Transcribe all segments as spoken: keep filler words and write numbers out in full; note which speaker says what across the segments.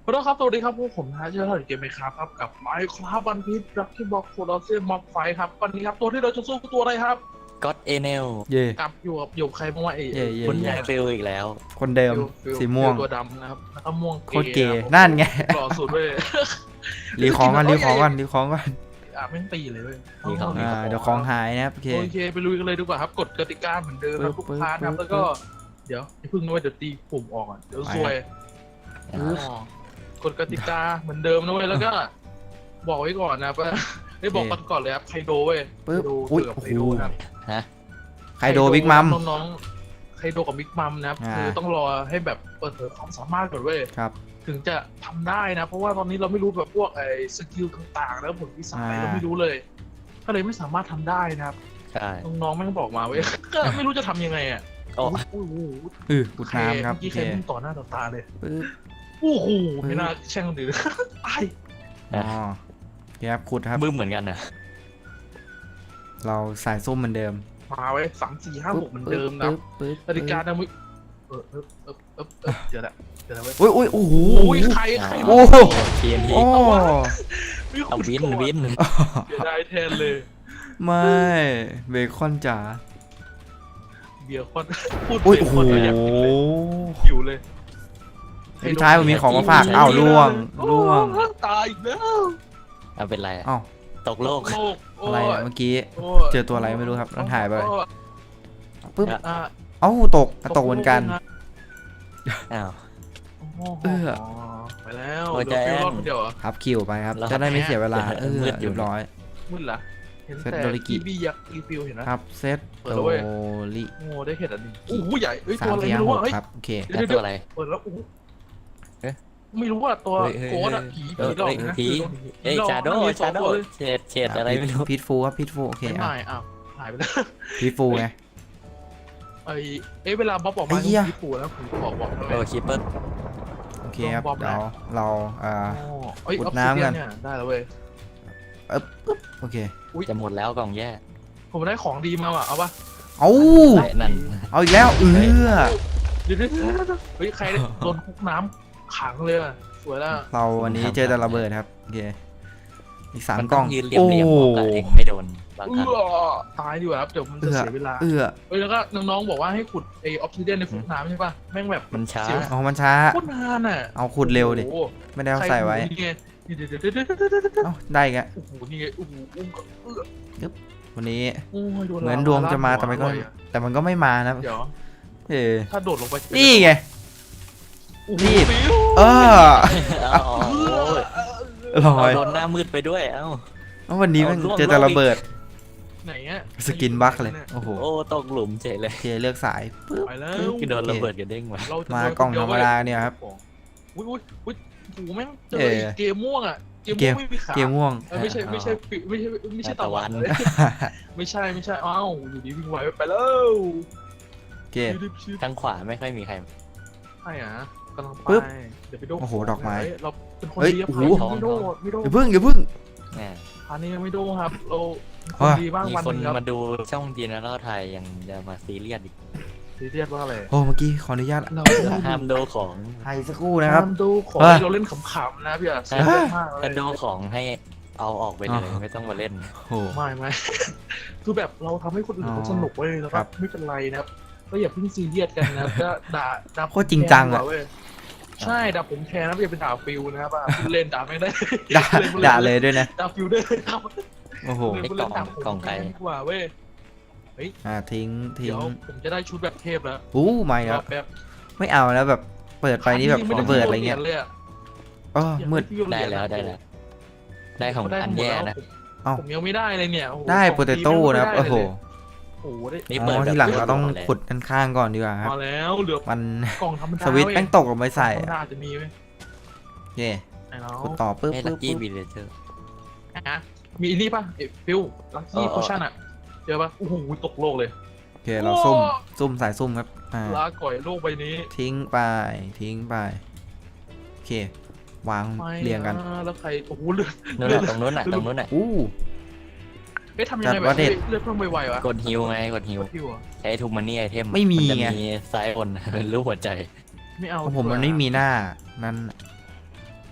Speaker 1: คุณผู้ชมครับสวัสดีครับพวกผมนะเชื่อถือเกมไหมครับครับกับไมค์ครับวันพีชรักที่บอกโคลอสเซียมม็อบไฟครับวันนี้ครับตัวที่เราจะสู้คือตัวอะไรครับ
Speaker 2: ก็อดเอเนล
Speaker 3: เย่
Speaker 1: กับอยู่กับอยู่ใครบ้างวะเอ๋
Speaker 3: เย่เย่
Speaker 2: คุณ
Speaker 3: เย่
Speaker 2: ยายฟิลอีกแล้ว
Speaker 3: คนเดิม
Speaker 1: ฟิล
Speaker 3: สีม่วง
Speaker 1: ฟิลตัวดำนะครับแล้วก็ม่วง
Speaker 3: โคตรเก๋
Speaker 1: ะครับ
Speaker 3: นั่นไง
Speaker 1: หล่อสุดเว้ย
Speaker 3: รีของกันรีของกันรีของกัน
Speaker 1: อ่ะแม่งตีเลยเว้ย
Speaker 2: มีของ
Speaker 3: อ่าเดี๋ยวของหายนะครับโอเค
Speaker 1: โอเคไปลุยกันเลยดีกว่าครับกฎกติกาเหมือนเดิมครับ
Speaker 3: ปึ๊
Speaker 1: ทุ
Speaker 3: บ
Speaker 1: กพาร์ทนะครับ
Speaker 3: ปึ๊
Speaker 1: แล้
Speaker 3: บ
Speaker 1: วก็เดี๋ยวอย่าเพิ่งนะเว้ยเดี๋ยวตีปุ่มออกอ่ะเดี๋ยวซวย
Speaker 2: อ่า
Speaker 1: อ๋อกฎกติกาเหมือนเดิมนะเว้ยแล้วก็ บอกไว้ก่อนนะว่าได้บอกกันก่อนเลยครับไคโดเว้ย
Speaker 3: ปึ๊บ
Speaker 1: ไคโด
Speaker 3: อุ้ย
Speaker 1: เกือบ
Speaker 3: โอ้
Speaker 1: ไค
Speaker 3: โห
Speaker 1: โดนะครับ
Speaker 2: ฮะ
Speaker 3: ไคโดบิ๊กมัม
Speaker 1: น้องๆไคโดกับบิ๊กมัมนะครับ
Speaker 3: อ่า
Speaker 1: คือต้องรอให้แบบเปิดเผยความสามารถก่อนเว้ย
Speaker 3: ครับ
Speaker 1: ถึงจะทำได้นะ เพราะว่าตอนนี้เราไม่รู้แบบพวกไอ้สกิลต่างๆแล้วผลวิสัย
Speaker 3: อ่า
Speaker 1: เราไม่รู้เลยก็เลยไม่สามารถทำได้นะครับ
Speaker 2: ใช่
Speaker 1: น้องๆแม่งบอกมาเว้ย ก็ไม่รู้จะทำยังไงอ่ะ
Speaker 2: โอ้
Speaker 1: โอ้โห
Speaker 3: อืออุดน้ำครับ
Speaker 1: เมื่อ
Speaker 3: โอ
Speaker 1: กี้
Speaker 3: เค
Speaker 1: ใครพุ่งต่อหน้าต่อตาเลย
Speaker 3: ปึ๊บ
Speaker 1: โอ้โหไม่น่าแช่งคนอื่น ตาย
Speaker 3: อ๋อโอเคครับขุดครับ
Speaker 2: บึ้มเหมือนกันนะ
Speaker 3: เราสายส้มเหมือนเดิม
Speaker 1: มาไว้สามสี่ห้าหกเหมือนเดิมนะ
Speaker 3: ปึ๊บปึ๊บ
Speaker 1: กติกานะมึงเออเออเออเออเออเดี๋ยวละเดี๋ยวละเว้ย
Speaker 3: อุ้ยอุ้ยโอ้โห
Speaker 1: โอ้ยใครใคร
Speaker 3: โอ้
Speaker 2: ทีเอ็นที
Speaker 3: โอ้
Speaker 1: ไม่
Speaker 2: เอา
Speaker 1: ขุด
Speaker 2: วิน
Speaker 1: ก่อน
Speaker 2: วิน
Speaker 1: เสียดายแทนเลย
Speaker 3: ไม่เบคอนจ๋า
Speaker 1: เบียร์คอนพูด
Speaker 3: อุ้ย
Speaker 1: เบีย
Speaker 3: โอ้
Speaker 1: ร์
Speaker 3: โห
Speaker 1: คอนก็อยากกินเลยหิวเลย
Speaker 3: สุดท้ายผมมีของมาฝากอ้าวล่วงล่วง
Speaker 1: โอ้ตายอีกแล้ว
Speaker 2: เอาเป็นไรอะ
Speaker 3: อ้าว
Speaker 2: ตกโลก
Speaker 1: โลกโ
Speaker 3: อะไรเนี่ยเมื่อกี้
Speaker 1: โย
Speaker 3: เจอตัวอะไรไม่รู้ครับแล้วหายไป
Speaker 1: โอ้
Speaker 3: ปึ๊บ
Speaker 1: อ่ะ
Speaker 3: เอ้าตกตกเหมือนกัน
Speaker 2: อ้าว
Speaker 1: เออไปแล้ว
Speaker 2: โอ้ย
Speaker 1: เดี๋ยว
Speaker 2: แจ้
Speaker 1: ฟิว
Speaker 2: ง
Speaker 1: รอดคนเดียวเหรอ
Speaker 3: ครับคิวไปครับ
Speaker 2: แล้ว
Speaker 3: จะได้ไม่เสียเวลา
Speaker 2: เดี๋
Speaker 3: เอ
Speaker 2: ยว
Speaker 3: อ
Speaker 2: มืดอยู่
Speaker 3: เรียบร้อย
Speaker 1: มึนเหรอเห็น
Speaker 3: เซต
Speaker 1: แต่
Speaker 3: โดริกิ
Speaker 1: ทีบียักษ์รีฟิลเห็นนะครับ
Speaker 3: เซต
Speaker 1: เปิด
Speaker 3: โด
Speaker 1: แล้วเว้ย
Speaker 3: ริ
Speaker 1: โอ้ได้เห็นอันนี้โอ้โหใหญ่เอ้ย
Speaker 3: สา
Speaker 1: ตัว
Speaker 3: ม
Speaker 1: อะไร
Speaker 3: สี่
Speaker 1: ไม่
Speaker 3: ห้า
Speaker 1: รู้
Speaker 3: ห
Speaker 1: อ่ะ
Speaker 3: ก
Speaker 1: เฮ้ย
Speaker 3: ครับโอเค
Speaker 1: เดี๋ยว
Speaker 2: แล้วตัวอะไร
Speaker 1: เปิดแล้วโอ้โห
Speaker 2: เอ๊ะ
Speaker 1: ไม่รู้ว่าตัว
Speaker 2: เฮ้ยเฮ้ย
Speaker 1: โกดอะผี
Speaker 2: เอ
Speaker 1: ผี
Speaker 2: อ
Speaker 1: หลอก
Speaker 2: เอ้ย
Speaker 1: นะ
Speaker 2: ผีเอ้ย
Speaker 1: หลอก
Speaker 2: ชาโด
Speaker 1: มันมีสอ
Speaker 2: ชาง โด
Speaker 1: ตัวเลย
Speaker 2: เฉดเฉดอะไรไม่รู้
Speaker 3: พิทฟูครับพิทฟูโอเค
Speaker 1: ไม่
Speaker 3: อ่ะ
Speaker 1: ไม่อ้าวหายไปแล้ว
Speaker 3: พิทฟูไง
Speaker 1: ไอเอ๊ะเวลาบ๊อบออกมา
Speaker 3: ไอ้เหี้ย
Speaker 1: ญี่ปุ่นแล้วผมบอกบอกทำไม
Speaker 2: โอ้คิปเปอร์
Speaker 3: โอเคครับ
Speaker 1: ลองบอมนะ
Speaker 3: เดี๋ยวเราอ่า
Speaker 1: อ๋อเอ้ย
Speaker 3: ขุด
Speaker 1: ออฟ
Speaker 3: น้ำ
Speaker 1: ซิเดีย
Speaker 3: กัน
Speaker 1: เนี่ยได้แล้วเว้ย
Speaker 3: เอ๊บปึ๊บโอเค
Speaker 2: จะหมดแล้วกล่องแย่
Speaker 1: ผมได้ของดีมาว่ะเอาปะ
Speaker 3: เอา
Speaker 2: ไอ้นั่น
Speaker 3: เอาอีกแล้วเออ
Speaker 1: เดี๋ยวเดี๋ยวเดี๋ยวเดี๋ยวเฮ้ยใครเนี่ยโดนคุกน้ำขังเลยอะสวยแล้ว
Speaker 3: เราวันนี้เจอแต่ระเบิดครับโอเคอีกสาม
Speaker 2: มัน
Speaker 3: ก
Speaker 2: ต้
Speaker 3: ล่
Speaker 2: อ
Speaker 3: อง ง
Speaker 2: ยืนเรียบ
Speaker 3: โอ้
Speaker 2: เรียบบอกกับเองไม่โดนบาง
Speaker 1: เอ
Speaker 2: ครั้ง
Speaker 1: อตายดีกว่าครับเดี๋ยวมัน
Speaker 3: เอื
Speaker 1: จะ
Speaker 3: อ
Speaker 1: เสียเวลา
Speaker 3: เอือ
Speaker 1: เฮ้ยแล้วก็น้องๆบอกว่าให้ขุดไอออฟซิเดียนในคุกน้ำใช่ปะแม่งแบบ
Speaker 2: มันช้า
Speaker 1: เสียว
Speaker 3: เอามันช้า
Speaker 1: โคตรนานอ่ะ
Speaker 3: เอาขุดเร็วดิ
Speaker 1: โอ้โห
Speaker 3: ไม่ได้เอาใส่ไว้
Speaker 1: ใครนี่ไงเดี๋ยวเดี๋ยวเดี๋ยวเดี๋ยวเดี๋ยวเดี๋ยวเดี๋ยว
Speaker 3: เอ้าได้อีกแล้ว
Speaker 1: โอ้โหนี่ไงโอ้โหอุ้มก็เอื้อ
Speaker 3: วันนี้
Speaker 1: โอ้ยโดน
Speaker 3: เหมือนดวงจะมาแต่มันก็
Speaker 1: ร่อยอะ
Speaker 3: แต่มันก็ไม่มานะ
Speaker 1: เดี๋ยว
Speaker 3: เออ
Speaker 1: ถ้าโดดลงไป
Speaker 3: นี่ไง
Speaker 1: โอ้โห
Speaker 3: นี่
Speaker 1: ฟิว
Speaker 3: เออ
Speaker 2: เอาโอ้ย
Speaker 3: ลอ
Speaker 2: เอา
Speaker 3: ย
Speaker 2: โดนหน้ามืดไปด้วยเอ้า
Speaker 3: แล้ววันนี้มัน
Speaker 2: เอาล่วง
Speaker 3: เจอแต่ระเบิด
Speaker 1: ไหนอะ
Speaker 3: สกินบั๊กเลยโอ้โห
Speaker 2: โอ้ตกหลุมเฉยเลย
Speaker 3: โอเคเลือกสายปึ๊บ
Speaker 1: ไปแล้ว
Speaker 2: คือโดนระเบิดกระเด้งมา
Speaker 1: เราจะ
Speaker 3: มากล่องธรรมดาเนี่ยครับ
Speaker 1: อุ้ยอุ้ยอุ้ยโอ้โหแม่งเจอ
Speaker 3: เออ
Speaker 1: ไอ้เกมม่วงอะเกม
Speaker 3: เก
Speaker 1: ม่ว
Speaker 3: ม
Speaker 1: งไม่มีขา
Speaker 3: เกมม่วง
Speaker 1: เออไม่ใช่ไม่ใช่ปิไม่ใช่ไม่ใช่ตะวันเลยไม่ใช่ไม่ใช่อ้าวอยู่ดีวิ่งไวไปแล้ว
Speaker 3: โอเค
Speaker 1: ชิบชิบ
Speaker 2: ทางขวาไม่ค่อยมีใคร
Speaker 1: ใช่อะกำลังไป
Speaker 3: ปึ๊บ
Speaker 1: เดี๋ยวไปโดน
Speaker 3: โอ้โหดอกไม้
Speaker 1: เฮ้ยเราเป็นคน
Speaker 3: เฮ้ย
Speaker 1: ดีครับ
Speaker 3: โอ้โห
Speaker 1: ไม่โดนไม่โดน
Speaker 3: อย่าพึ่งอย่าพึ่ง
Speaker 2: แหม
Speaker 1: อันนี้ยังไม่โดนครับเราเป็นคน
Speaker 3: ว่า
Speaker 1: ดีบ้าง
Speaker 2: มี
Speaker 1: วัน
Speaker 2: ค
Speaker 1: ห
Speaker 2: น
Speaker 1: นึงครับ
Speaker 2: มาดูช่องจีนแล้วไทยยังจะมาซีเรียสอีก
Speaker 1: ซีเรียสว่าอะไร
Speaker 3: โอ้เมื่อกี้ขออนุญาต
Speaker 1: เรา
Speaker 2: ห้ามดูของ
Speaker 3: ไทยสักครู่นะครับ
Speaker 1: ห้ามดูของ
Speaker 3: เฮ้ย
Speaker 1: ที่เราเล่นขำๆนะพี่อะซีเรียสมากเลย
Speaker 2: ถ้าดูของให้เอาออกไปเลยไม่ต้องมาเล่น
Speaker 3: โอ้โห
Speaker 1: ไม่ไม่ คือแบบเราทำให้คนอื่น
Speaker 3: อ๋อ
Speaker 1: เขาสนุกเว้ยแล้ว
Speaker 3: ค
Speaker 1: ก็
Speaker 3: รับ
Speaker 1: ไม่เป็นไรนะครับก็อย่าเพิ่งซีเรียสกันนะก็ด่าด่า
Speaker 3: โคตรจริงจังอะ
Speaker 1: แทนดีกว่าเว้ยใช่ด่าผมแทนนะอย่าเป็นด่าฟิวนะครับอ่ะพูดเล่นด่าไม่ได้
Speaker 3: ด่าด่าเลยด้วยนะ
Speaker 1: ด่าฟิวด้วยครับ
Speaker 3: โอ้โห
Speaker 1: เล่นพูดเล่นด่าผม
Speaker 2: กล่องไก่
Speaker 1: ดีกว่าเว้ย
Speaker 3: อ่าทิ้งทิ้
Speaker 1: เดี๋
Speaker 3: ง
Speaker 1: ยวผมจะได้ชุดแบบเทพแล้ว
Speaker 3: อู้ไม่ครับ
Speaker 1: แบบ
Speaker 3: ไม่เอาแล้วแบบเปิดไปนี่แบบระเบิดอะไรเงี้ย
Speaker 1: เลยอะ
Speaker 3: อ๋อมืด
Speaker 2: ได้แล้วได้แล้ว ได้ของอันแย่นะ
Speaker 3: เอ้า
Speaker 1: ผมยังไม่ได้เลยเนี่ยโอ้โห
Speaker 3: ได้
Speaker 1: ของ
Speaker 3: โปเตโต้นะครับ
Speaker 1: ไม่
Speaker 3: โอ้
Speaker 1: ได้
Speaker 3: โห
Speaker 1: เลยโอ้โหได้
Speaker 2: นี่
Speaker 3: อ๋
Speaker 2: เปิด
Speaker 3: อ
Speaker 2: แบบ
Speaker 3: ที่หลังเราต้อง
Speaker 2: เลย
Speaker 3: ขุดด้านข้างก่อนดีกว่าครับ
Speaker 1: มาแล้วเหลือ
Speaker 3: มัน
Speaker 1: กล่องธรรมดา
Speaker 3: สวิตช์
Speaker 1: เว้ย
Speaker 3: แป้งตกลงไปใส่
Speaker 1: ธรรม
Speaker 3: อะ
Speaker 1: ดาจะมีไหม
Speaker 3: โอเค
Speaker 1: ไอ้เรา
Speaker 3: ขุดต่อปึ๊บ
Speaker 2: ให้ลั
Speaker 3: ปึ๊
Speaker 2: ก
Speaker 3: บ
Speaker 2: กี้
Speaker 3: ปึ๊บ
Speaker 2: วิลเลเจอร์
Speaker 1: อ่ะมีอันนี้ป่ะเอฟิลลัคกี้
Speaker 2: เออ
Speaker 1: โพชั่นอ่ะเจอป่ะโอ้โหตกโลกเลย
Speaker 3: โอเคเราซุ่มซุ่มสายซุ่มครับอ่า
Speaker 1: ลาก่อยโลกใบนี้
Speaker 3: ทิ้งไปทิ้งไปโอเควาง
Speaker 1: ไม่
Speaker 3: เรียงกัน
Speaker 1: ะแล้วใครโอ้โหเลือด
Speaker 2: นู่นน่ะตรงนู้นน่ะตรงนู้นน่ะ
Speaker 3: อู้
Speaker 1: เอ๊ะทำยังไง
Speaker 3: จัด
Speaker 1: แบ
Speaker 3: ว่า
Speaker 1: บ
Speaker 3: เด็ด
Speaker 1: เลือดเพิ่มไวๆวะ
Speaker 2: กดฮิวไงกดฮิว
Speaker 1: ฟิวอะ
Speaker 2: ใช้ทูมันนี่ไอเทม
Speaker 3: ไม่มี
Speaker 2: จะ
Speaker 3: ไง
Speaker 2: มีซ้ายบนเป็นรูปหัวใจ
Speaker 1: ไม่เอา
Speaker 3: ของผม
Speaker 1: ดีกว่า
Speaker 3: มันไม่มีหน้านั้น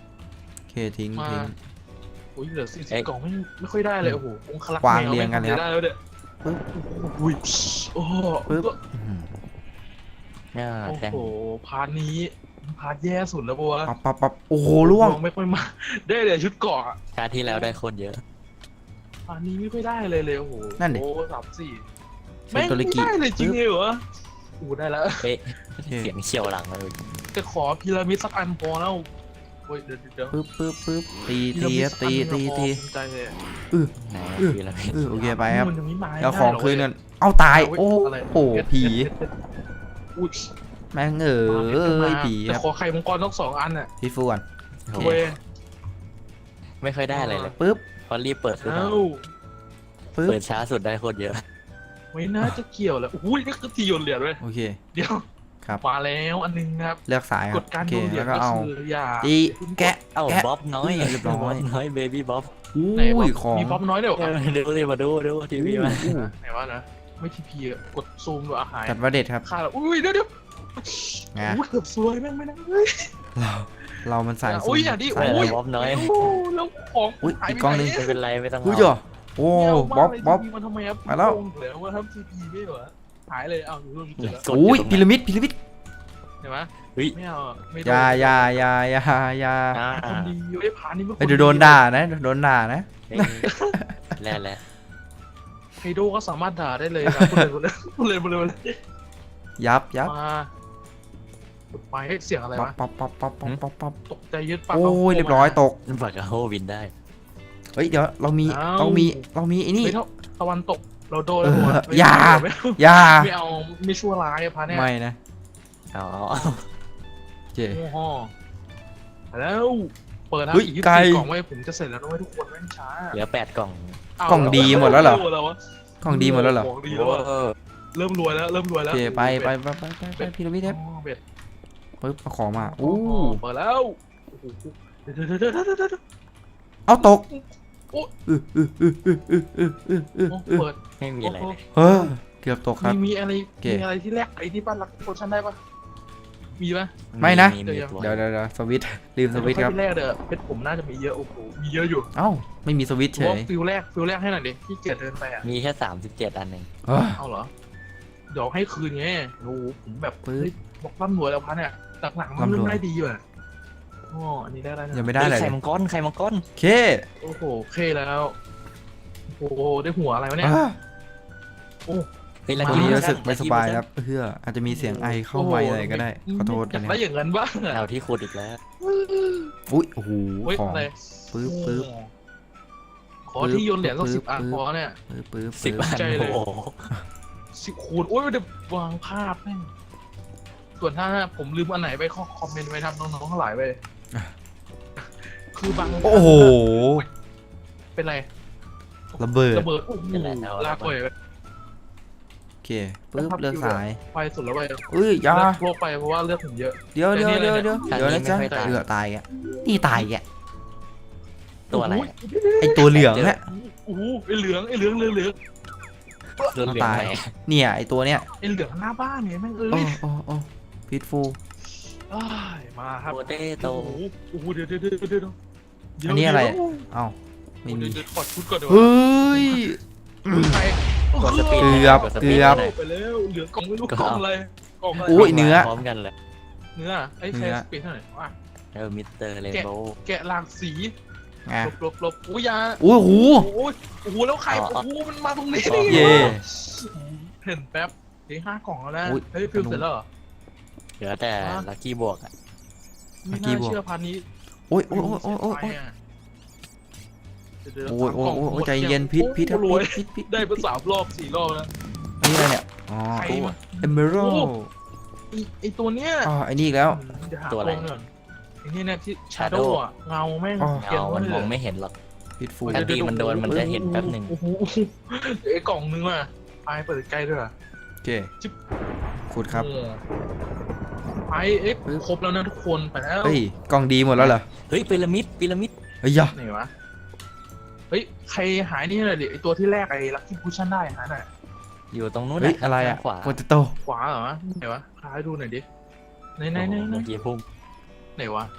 Speaker 3: ทิ้ง
Speaker 1: มา
Speaker 3: ทิ้ง
Speaker 1: อุ้ยเหลือสี่สิบกล่องไม่ไม่ค่อยได้เลยโอ้โหองคลักษ์
Speaker 3: วาง
Speaker 1: แม
Speaker 3: เรียงกันเลยครับ
Speaker 1: ได้แล้วเนี่ย
Speaker 3: ปึ๊บ
Speaker 1: อุ้ยโอ้โห
Speaker 3: ปึ๊บอื้อหือ
Speaker 2: เนี่ย
Speaker 1: โอ้
Speaker 2: แดง
Speaker 1: โหพาร์ทนี้พาร์ทแย่สุดแล้วบัว
Speaker 3: ปั๊บปั๊บปั๊บโอ้โหล่วง
Speaker 1: ไม่ค่อยมาได้เลยชุดเกาะอะ
Speaker 2: ชาติที่แล้วได้โคตรเยอะ
Speaker 1: พาร์ทนี้ไม่ค่อยได้เลยเลยโอ้โห
Speaker 3: นั่นดิ
Speaker 1: โอ้สามสี่
Speaker 3: เซ
Speaker 1: แม่ง
Speaker 3: โตริ
Speaker 1: ไม่
Speaker 3: กิ
Speaker 1: ได้เลยจริงเหรอโอ้ได้แล้ว
Speaker 2: เอ๊ะเสียงเขียวหลังเลย
Speaker 1: จะขอพีระมิดสักอันพอแล้วโอ้ยเดี๋ยวเดี๋ยว
Speaker 3: ปึ๊บปึ๊บปึ๊บตี
Speaker 1: พีระ
Speaker 3: ตี
Speaker 1: มิด
Speaker 3: ครับ
Speaker 1: สักอัน
Speaker 3: ตี
Speaker 1: หนึ่ง
Speaker 3: ตี
Speaker 1: อะพอ
Speaker 3: ตี
Speaker 1: ภูมิใจเลย
Speaker 2: ไหน
Speaker 3: เออ
Speaker 2: พีระมิด
Speaker 3: เออโอเคไปครับ
Speaker 1: มันยังไม่มา
Speaker 3: แล้วของคืน
Speaker 1: ได้
Speaker 3: กันเอาตาย
Speaker 1: หร
Speaker 3: โอ้
Speaker 1: เว้ยะไร
Speaker 3: โห
Speaker 1: เพชร
Speaker 3: ผี
Speaker 1: เพชรเพชรอุ้ย
Speaker 3: แม่งเอ๋ยผีค
Speaker 1: แต่
Speaker 3: รับ
Speaker 1: ขอไข่มังกรต้องสองอันน่ะ
Speaker 3: พี่ฟูก่อน
Speaker 2: โอ้
Speaker 3: โอ
Speaker 2: โห
Speaker 3: เค
Speaker 1: เว้ย
Speaker 2: ไม่ค่อยได้อะไรเลย
Speaker 3: ปึ๊บ
Speaker 2: เพราะรีบเปิดสุด
Speaker 1: เอ้า
Speaker 3: ปึ๊บ
Speaker 2: เปิดช้าสุดได้โคตรเยอะ
Speaker 1: ไม่น่าจะเกี่ยวแล้วอุ้ยนี่คือทีโยนเหรียญเว้ย
Speaker 3: โอเค
Speaker 1: เดี๋ยว
Speaker 3: ครับ
Speaker 1: มาแล้วอันหนึงครับ
Speaker 3: เลือกสายค
Speaker 1: ก
Speaker 3: รับ
Speaker 1: ฎการ
Speaker 3: โอเค
Speaker 1: โยนเหรีย
Speaker 3: แล้
Speaker 1: ญ
Speaker 3: วก็
Speaker 1: ก็
Speaker 3: เอา
Speaker 1: คืออย่า
Speaker 3: ตีแกะ
Speaker 2: เอ้า
Speaker 3: แกะ
Speaker 2: บ๊อบน้อย
Speaker 3: เรียบร้อย
Speaker 2: บ๊อบน้อยเบบี้บ๊อบ
Speaker 1: ไหน
Speaker 3: อุ้
Speaker 1: วะ
Speaker 3: ยของ
Speaker 1: มีป๊อปน้อยเดี๋ยว
Speaker 2: เออดูสิมาดูดูทีวีมา
Speaker 3: อู้
Speaker 1: ไหนวะนะไม่ทีพีอะกดซูมดูอาหาร
Speaker 3: จัดว่าเด็ดครับ
Speaker 1: ค่าแล้วอุ้ยเดี๋ยวเดี๋ยว
Speaker 3: ไง
Speaker 1: อู้เกือบซวยแม่งไม่นั่งเลย
Speaker 3: เราเรามันสาย
Speaker 1: อุ้ยอย่าดิ
Speaker 3: สาย
Speaker 2: โอ้
Speaker 1: อุ้
Speaker 2: ย
Speaker 1: ย
Speaker 2: บ๊อบน้อย
Speaker 1: โอ้แล้วของ
Speaker 3: อุ้ย
Speaker 1: หาย
Speaker 3: อีก
Speaker 1: ไป
Speaker 3: กล้อง
Speaker 1: ไห
Speaker 3: ห
Speaker 1: น
Speaker 3: นึ่ง
Speaker 2: ไม่เป็นไรไม่ต้อง
Speaker 3: อุ้ย
Speaker 2: เอา
Speaker 3: จ่อโอ้บ๊อบบ๊อบ
Speaker 1: มันทำไมครับ
Speaker 3: มาแล้ว
Speaker 1: โกงเหลือว่าทำทีพีไม่เหรอหายเลยอ้าวอยู่ตรงนี้เจอแล้ว
Speaker 2: กด
Speaker 3: อุ้ย
Speaker 2: ตรง
Speaker 3: พี
Speaker 2: นั้น
Speaker 3: ระมิดพีระมิด
Speaker 1: เห็นไหม
Speaker 2: เฮ้ย
Speaker 1: ไม่เอาอะไม่โด
Speaker 3: อยาอยาอยาอยาอยา
Speaker 2: อ่า
Speaker 1: คนดีอยู่ไอ้ผานี่ไม่
Speaker 3: เอ้ยเดี๋ยวโดนด่านะโดนด่านะ
Speaker 2: เฮ้ยแล้วแล้ว
Speaker 1: ไฮโดก็สามารถด่าได้เลยนะพูดเลยพูดเลยพูดเลยพูดเลย
Speaker 3: ยับยับ
Speaker 1: มาไปให้เสียงอะไร
Speaker 3: ป๊อป
Speaker 1: วะ
Speaker 3: ป๊อปป๊อปป๊อปป๊อปป๊อปป๊อป
Speaker 1: ตกใจยึดปาก
Speaker 3: โอ้ยเรียบร้อยตก
Speaker 2: ฝากกับโฮวินได้
Speaker 3: เฮ้ยเดี๋ยวเรามีเรามีเรามีไอ้นี่
Speaker 1: ไม่เท่าตะวันตกเราโดน
Speaker 3: เออ
Speaker 1: หัว
Speaker 3: อย่า
Speaker 1: ไม่
Speaker 3: อยา
Speaker 1: ไม่เอาไม่ชั่วร้ายอะพาเนี่ย
Speaker 3: ไม่นะ
Speaker 2: เอาเอาเอา
Speaker 3: เจ
Speaker 1: โอ้โหแล้วเปิดนะ
Speaker 3: เฮ้ย
Speaker 1: อีกยี่สิบ
Speaker 3: ไกล
Speaker 1: สี่กล่องไว้ผมจะเสร็จแล้วนะเว้ยทุกคนแม่งช้า
Speaker 2: เหลือแปดกล่อง
Speaker 1: าว
Speaker 3: กล่องดีหมดแล้วเหรอ
Speaker 1: วะ
Speaker 3: กล่องดีหมดแล้วเหรอ
Speaker 1: ของดีแล้วอะ
Speaker 2: เออ
Speaker 1: เริ่มรวยแล้วเริ่มรวย
Speaker 3: โอ
Speaker 1: แล้ว
Speaker 3: เคไปไปไปไปไปไปพีระมิด
Speaker 1: อ๋
Speaker 3: ครับ
Speaker 1: อเบ็ด
Speaker 3: ปึ๊บเอาของมา
Speaker 1: โอ้
Speaker 3: อู้
Speaker 1: เปิดแล้วโอ้โหเดี๋ยวเดี๋ยวเดี๋ยวเดี๋ยวเดี๋ยวเดี๋ยว
Speaker 3: เอาตก
Speaker 1: โอ้
Speaker 3: อื้ออื้ออื้ออื้ออื้ออื้ออื้ออื้อ
Speaker 1: โอ้
Speaker 3: อื้อ
Speaker 1: เปิด
Speaker 2: ไม่มีอะไรเลย
Speaker 3: เฮ้ยเกือบตกครับ
Speaker 1: มีมีอะไร
Speaker 3: โอเค
Speaker 1: มีอะไรที่แรกไอ้ที่บ้านรักโพชั่นได้ปะมีปะ
Speaker 3: ไม่นะ
Speaker 2: มีมีตัว
Speaker 3: เดี๋ยวเดี๋ยวเดี๋ยวสวิตช์ลืมสวิตช์ครับ
Speaker 1: ที่แรกเด้อเพชรผมน่าจะมีเยอะโอ้โหมีเยอะอยู่
Speaker 3: เอ้าไม่มีสวิตช์เฉ
Speaker 1: ว่าย ฟิลแรกฟิลแรกให้หน่อยดิที่เกียรเดินไปอ่ะ
Speaker 2: มีแค่สามสิบเจ็ดอันเอง
Speaker 3: เฮ้ย
Speaker 1: เอาเหรอเดี๋ยวให้คืนไงโอ้โหผมแบบ
Speaker 3: ปึ๊บ
Speaker 1: เฮ้ยบอกร่ำรวยแล้วพันเนี่ยหลังๆมัน
Speaker 3: ร่ำรวย
Speaker 1: เริ่มได้ดีว่ะอ๋ออันนี้ได้แล้วนะ
Speaker 3: ยังไม่ได้อะไร
Speaker 2: ไข่
Speaker 3: เลย
Speaker 2: มังกรไข่มังกร
Speaker 3: โอเค
Speaker 1: โอ้โหเคแล้วโอ้โหได้หัวอะไรวะเนี่ย
Speaker 3: อ่ะ
Speaker 2: เฮ้ย
Speaker 1: มา
Speaker 3: วันนี้
Speaker 2: ลั
Speaker 3: รู้
Speaker 2: ค
Speaker 3: สึก
Speaker 2: กี้
Speaker 3: ไม่สบายครับเพื่ออาจจะมีเสียงไอเข้าไมค์อะไรก็ได้ขอโทษ
Speaker 1: อยาก
Speaker 3: นะค
Speaker 1: ได้
Speaker 3: รับ
Speaker 1: อย่างนั้นบ้างอะ
Speaker 2: เอาที่ขุดอีกแล้ว
Speaker 3: อุ้ยโอ้โห
Speaker 1: เฮ้ย
Speaker 3: ของ
Speaker 1: อะไร
Speaker 3: ปึ๊บปึ๊บ
Speaker 1: โอ้ขอที่โยนเหรียญสัก
Speaker 3: ปึ๊
Speaker 1: สิ
Speaker 3: บบ
Speaker 1: อัน
Speaker 3: ปึ๊บ
Speaker 1: พอเนี่ย
Speaker 3: ปึ๊บปึ๊บ
Speaker 2: สิบ
Speaker 3: ปึ๊บ
Speaker 2: อัน
Speaker 1: ใจเลย
Speaker 2: โอ้โห
Speaker 1: สิบคูณโอ้ยเดี๋ยววางภาพแม่งส่วนถ้าผมลืมอันไหนไปข้อคอมเมนต์ไว้ทำน้องๆทั้งหลายไปคือบาง
Speaker 3: โอ้โห
Speaker 1: เป็นไร
Speaker 3: ระเบิด
Speaker 1: ระเบิดโอ้โหลากไป
Speaker 3: โอเคปึ๊บเลือกสาย
Speaker 1: ไฟสุดแล้วไป
Speaker 3: เอ้ยอยา
Speaker 1: เลือกโลกไปเพราะว่าเลือกผมเยอะ
Speaker 3: เดี๋ยวเดี๋ยว
Speaker 1: แต่นี่
Speaker 3: เดี๋ยว
Speaker 1: อะไร
Speaker 3: เดี๋ยว
Speaker 1: เนี่ย
Speaker 3: เดี๋ยวนะจ๊ะ
Speaker 2: ไม่ค่อยตาย
Speaker 3: เอือตายแกนี่ตายแก
Speaker 2: ตัวอะไร
Speaker 3: ไอตัวเหลืองฮะ
Speaker 1: โอ้โหไอเหลืองไอเหลืองเหลืองเหลือง
Speaker 2: เรื่องเหลือง
Speaker 3: ตาย
Speaker 2: ไหน
Speaker 3: เนี่ยไอตัวเนี้ย
Speaker 1: ไอเหลืองหน้าบ้านเนี่ยแม่งเอ้
Speaker 3: โอ้
Speaker 1: ย
Speaker 3: โอ้โอ้พิทฟู
Speaker 1: อ้ายมาครับ
Speaker 2: โปเตโต
Speaker 1: โอ้โหโอ้โหเดี๋ยวเดี๋ยวเดี๋ยวเดี๋ยวเดี๋ยว
Speaker 3: อันนี้อะไร
Speaker 1: เดี๋ยว
Speaker 3: เอ้าไม่มี
Speaker 1: เดี๋ยวเดี๋ยวถอดชุดก่อนเดี๋ยว
Speaker 3: เฮ้ย
Speaker 1: ใคร
Speaker 2: กดสปีด
Speaker 3: เกือบ
Speaker 2: กดส
Speaker 3: เกื
Speaker 2: ปีด
Speaker 3: อบ
Speaker 2: หน่อย
Speaker 1: ไปแล้วเหลือกล่องไม่รู้กล่องอะไรกล่องอะไร
Speaker 3: อุ้ยเนื้อ
Speaker 2: พร้อมกันเลย
Speaker 1: เนื้อไอ้ใคร
Speaker 3: เนื้อ
Speaker 1: สปีดเท่าไหร่วะ
Speaker 2: เออมิสเตอร์เรนโบว์
Speaker 1: แกะหลากสี
Speaker 3: ไง
Speaker 1: หลบหลบหลบอุ้ยยา
Speaker 3: โอ้โห
Speaker 1: โอ้โหโอ้โหแล้วใครโอ้โหมันมาตรงนี้
Speaker 3: เย่
Speaker 1: เห็นแป๊บเฮ้ยห้ากล่องแล้วนะ
Speaker 3: อุ๊ย
Speaker 1: เฮ้ยฟิลเสร็จแล้วเหรอ
Speaker 2: เหลือแต่ลัคกี้บวกอ่ะ
Speaker 1: ไม่
Speaker 3: เมื่อกี้
Speaker 1: น่า
Speaker 3: บอก
Speaker 1: เชื่อพันนี้
Speaker 3: โอ้ยโอ้ยโอ้ยโอ้ยโอ้ยโอ้ย
Speaker 1: เดี๋วๆ
Speaker 3: โอ้ยโอ้ย
Speaker 1: สามกล่ง
Speaker 3: โอ้ย
Speaker 1: หมด
Speaker 3: ใจเย็นพิษพิษครับ
Speaker 1: โอ้โหรวย
Speaker 3: พิษพิษ
Speaker 1: ได้ไปสามรอบสี่รอบแล้ว
Speaker 3: อันนี้อะไรเนี่ยอ๋อ
Speaker 1: ใครวะ
Speaker 3: เอเมอรัล
Speaker 1: ไอ้ไอตัวเนี้ย
Speaker 3: อ๋อไอ้นี่อีกแล้ว
Speaker 1: เดี๋ยวหา
Speaker 2: ตัวอะไร
Speaker 1: ก่อนไอ้นี่เนี่ยที่ชาโด
Speaker 2: Shadow
Speaker 1: ว์อะเงาแม่ง
Speaker 3: อ๋อ
Speaker 1: เขียน
Speaker 2: เงา
Speaker 1: ไว้
Speaker 2: มัน
Speaker 1: เล
Speaker 2: มอง
Speaker 1: ย
Speaker 2: ไม่เห็นหรอก
Speaker 3: พิษฟู
Speaker 2: อันที่มันโดนมันจะเห็นแป๊บหนึ่ง
Speaker 1: โอ้โหไอ้กล่องนึงอ่ะไปเปิดใกล้ด้วยอะ
Speaker 3: โอเคขุดครับ
Speaker 1: โอ้ไปเอ๊ะ
Speaker 3: ปึ๊บ
Speaker 1: ครบแล้วนะทุกคนไปแล้ว
Speaker 3: เฮ้ยกล่องดีหมดแล้วเหรอ
Speaker 2: เฮ้ยพีระมิดพีระมิด
Speaker 3: เฮ้ยยะ
Speaker 1: ไหนวะเฮ้ยใครหายนี่หน่อยดิไอตัวที่แรกไอ้ลักกี้พูชั่นได้หายหน่อย
Speaker 2: อยู่ตรงนู้น
Speaker 3: เฮ้ย
Speaker 2: น่
Speaker 3: อะไรอ่ะ
Speaker 2: ขวา
Speaker 3: โปเตโต้
Speaker 1: ขวาเหรอไหนวะพาให้ดูหน่อยดิไหนไหนไหนไหน
Speaker 2: เมื่อกี้พุ่ง
Speaker 1: ไหนวะ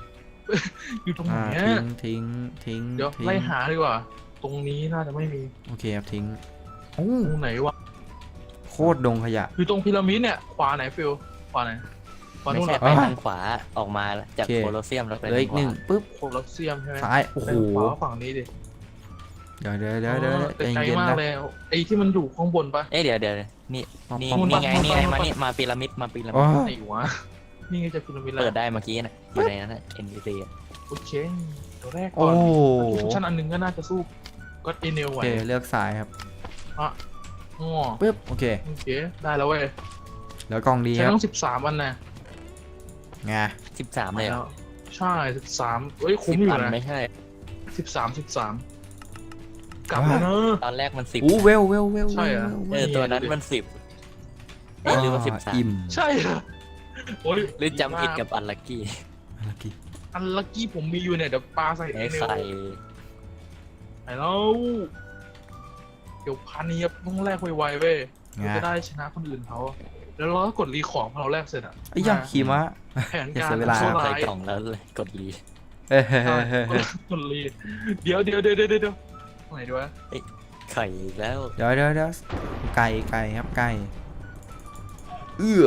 Speaker 1: อยู่ตรงไหน
Speaker 3: อ่า
Speaker 1: อะ
Speaker 3: ทิ้งทิ้งทิ้ง
Speaker 1: เดี๋ยว
Speaker 3: ทิ้ง
Speaker 1: ไล่หาดีกว่า ตรงนี้น่าจะไม่มี
Speaker 3: โอเคครับทิ้งโอ้
Speaker 1: ตรงไหนวะ
Speaker 3: โคตรดงขยะ
Speaker 1: อยู่ตรงพีระมิดเนี่ยขวาไหนฟิลขวาไหนขวา
Speaker 2: ไม่
Speaker 1: นู่นเห
Speaker 2: ใช่
Speaker 1: รอ
Speaker 2: ไป
Speaker 3: อ่ะ
Speaker 2: ทางขวาออกมาจาก
Speaker 3: โอเค
Speaker 2: โคลอเซียมแล้วไป
Speaker 3: เหลืออีกหนึ่ง
Speaker 2: ทาขวา
Speaker 3: ปุ๊บ
Speaker 1: โคลอสเซียมใช่ไหม
Speaker 3: ซ้ายโอ้โห
Speaker 1: ไปขวาฝั่งนี้ดิ
Speaker 3: เดี๋ยวเดี๋ยวเดี๋ยวเดี๋ยว
Speaker 1: อ๋อ
Speaker 3: ใจ
Speaker 1: แต่ไกล
Speaker 3: เย็น
Speaker 1: มาก
Speaker 3: นะ
Speaker 1: เลยไอ้ที่มันอยู่ข้างบนปะ
Speaker 2: เอ้ยเดี๋ยวเดี๋ยวนี่นี่
Speaker 3: ป๊อป
Speaker 2: นี่ไง
Speaker 1: ป๊อป
Speaker 2: นี่ไง
Speaker 1: ป๊อป
Speaker 2: มานี่มาพีระมิดมาพีระ
Speaker 3: โอ้
Speaker 2: มิด
Speaker 1: ไหนวะนี่ไงจะพีระมิดแล้ว
Speaker 2: เปิดได้เมื่อกี้นะอยู่ในนั้นนะ เอ็น พี ซี อะ
Speaker 1: โอเคตัวแรก
Speaker 3: โอ้
Speaker 1: ก่อนทุกชั้นอันหนึงก็น่าจะสู้ก็เอเนล
Speaker 3: โอ
Speaker 1: ไหว
Speaker 3: เคเลือกสายครับ
Speaker 1: อ่ะอ๋อ
Speaker 3: ปุ๊บโอเค
Speaker 1: โอเคได้แล้วเว้ย
Speaker 3: เหลือกล่องดี
Speaker 1: ใช้
Speaker 3: ครับ
Speaker 1: ต้องสิบสามอันนะ
Speaker 3: ไง
Speaker 2: สิบสามเลยเหร
Speaker 1: แล้
Speaker 2: อ
Speaker 1: วใช่สิบสามเอ้ยคุ้
Speaker 2: สิ
Speaker 1: ม
Speaker 2: บ
Speaker 1: อยู่
Speaker 2: อัน
Speaker 1: นะ
Speaker 2: ไม่ใช่
Speaker 1: สิบสามสิบสามกลับแล้วเนอะ
Speaker 2: ตอนแรกมันสิบ
Speaker 3: อู้เวลเวลเวล
Speaker 1: ใช่เหรอ
Speaker 2: เออตัวนั้นมันสิบเอ้ยหรือว่าสิบสาม
Speaker 3: อิ่ม
Speaker 1: ใช่เหรอโอ้ย
Speaker 2: หรือจำผิดกับอันลักกี้
Speaker 3: ลักกี้
Speaker 1: อันลักกี้ผมมีอยู่เนี่ยเดี๋ยวปลาใส่เอ
Speaker 2: ไอ้
Speaker 1: เนล
Speaker 2: ไข่
Speaker 1: ไอ้แล้วเดี๋ยวพันนี้ต้องแลกไวๆเว้ย
Speaker 3: ไง
Speaker 1: เราจะได้ชนะคนอื่นเขาแล้วเราก็กดรีของพอเราแลกเสร็จอ่ะ
Speaker 3: ไอ้ยาขี่ม้า
Speaker 1: แผน
Speaker 3: อย่า
Speaker 1: การ
Speaker 3: เสียเวลา
Speaker 1: ชั่ว
Speaker 2: ใส่
Speaker 1: ร้าย
Speaker 2: กล่องแล้วเลยกดรี
Speaker 3: เฮ้ย
Speaker 1: ใช่กดรีเดี๋ยวเดี๋ยวเดี๋ยวเดี๋ยวเดี๋ยวตรงไหนดีวะ
Speaker 2: ไข่อีกแล้ว
Speaker 3: เดี๋ยวเดี๋ยวเดี๋ยวไก่ไก่ครับไก่เอื้อ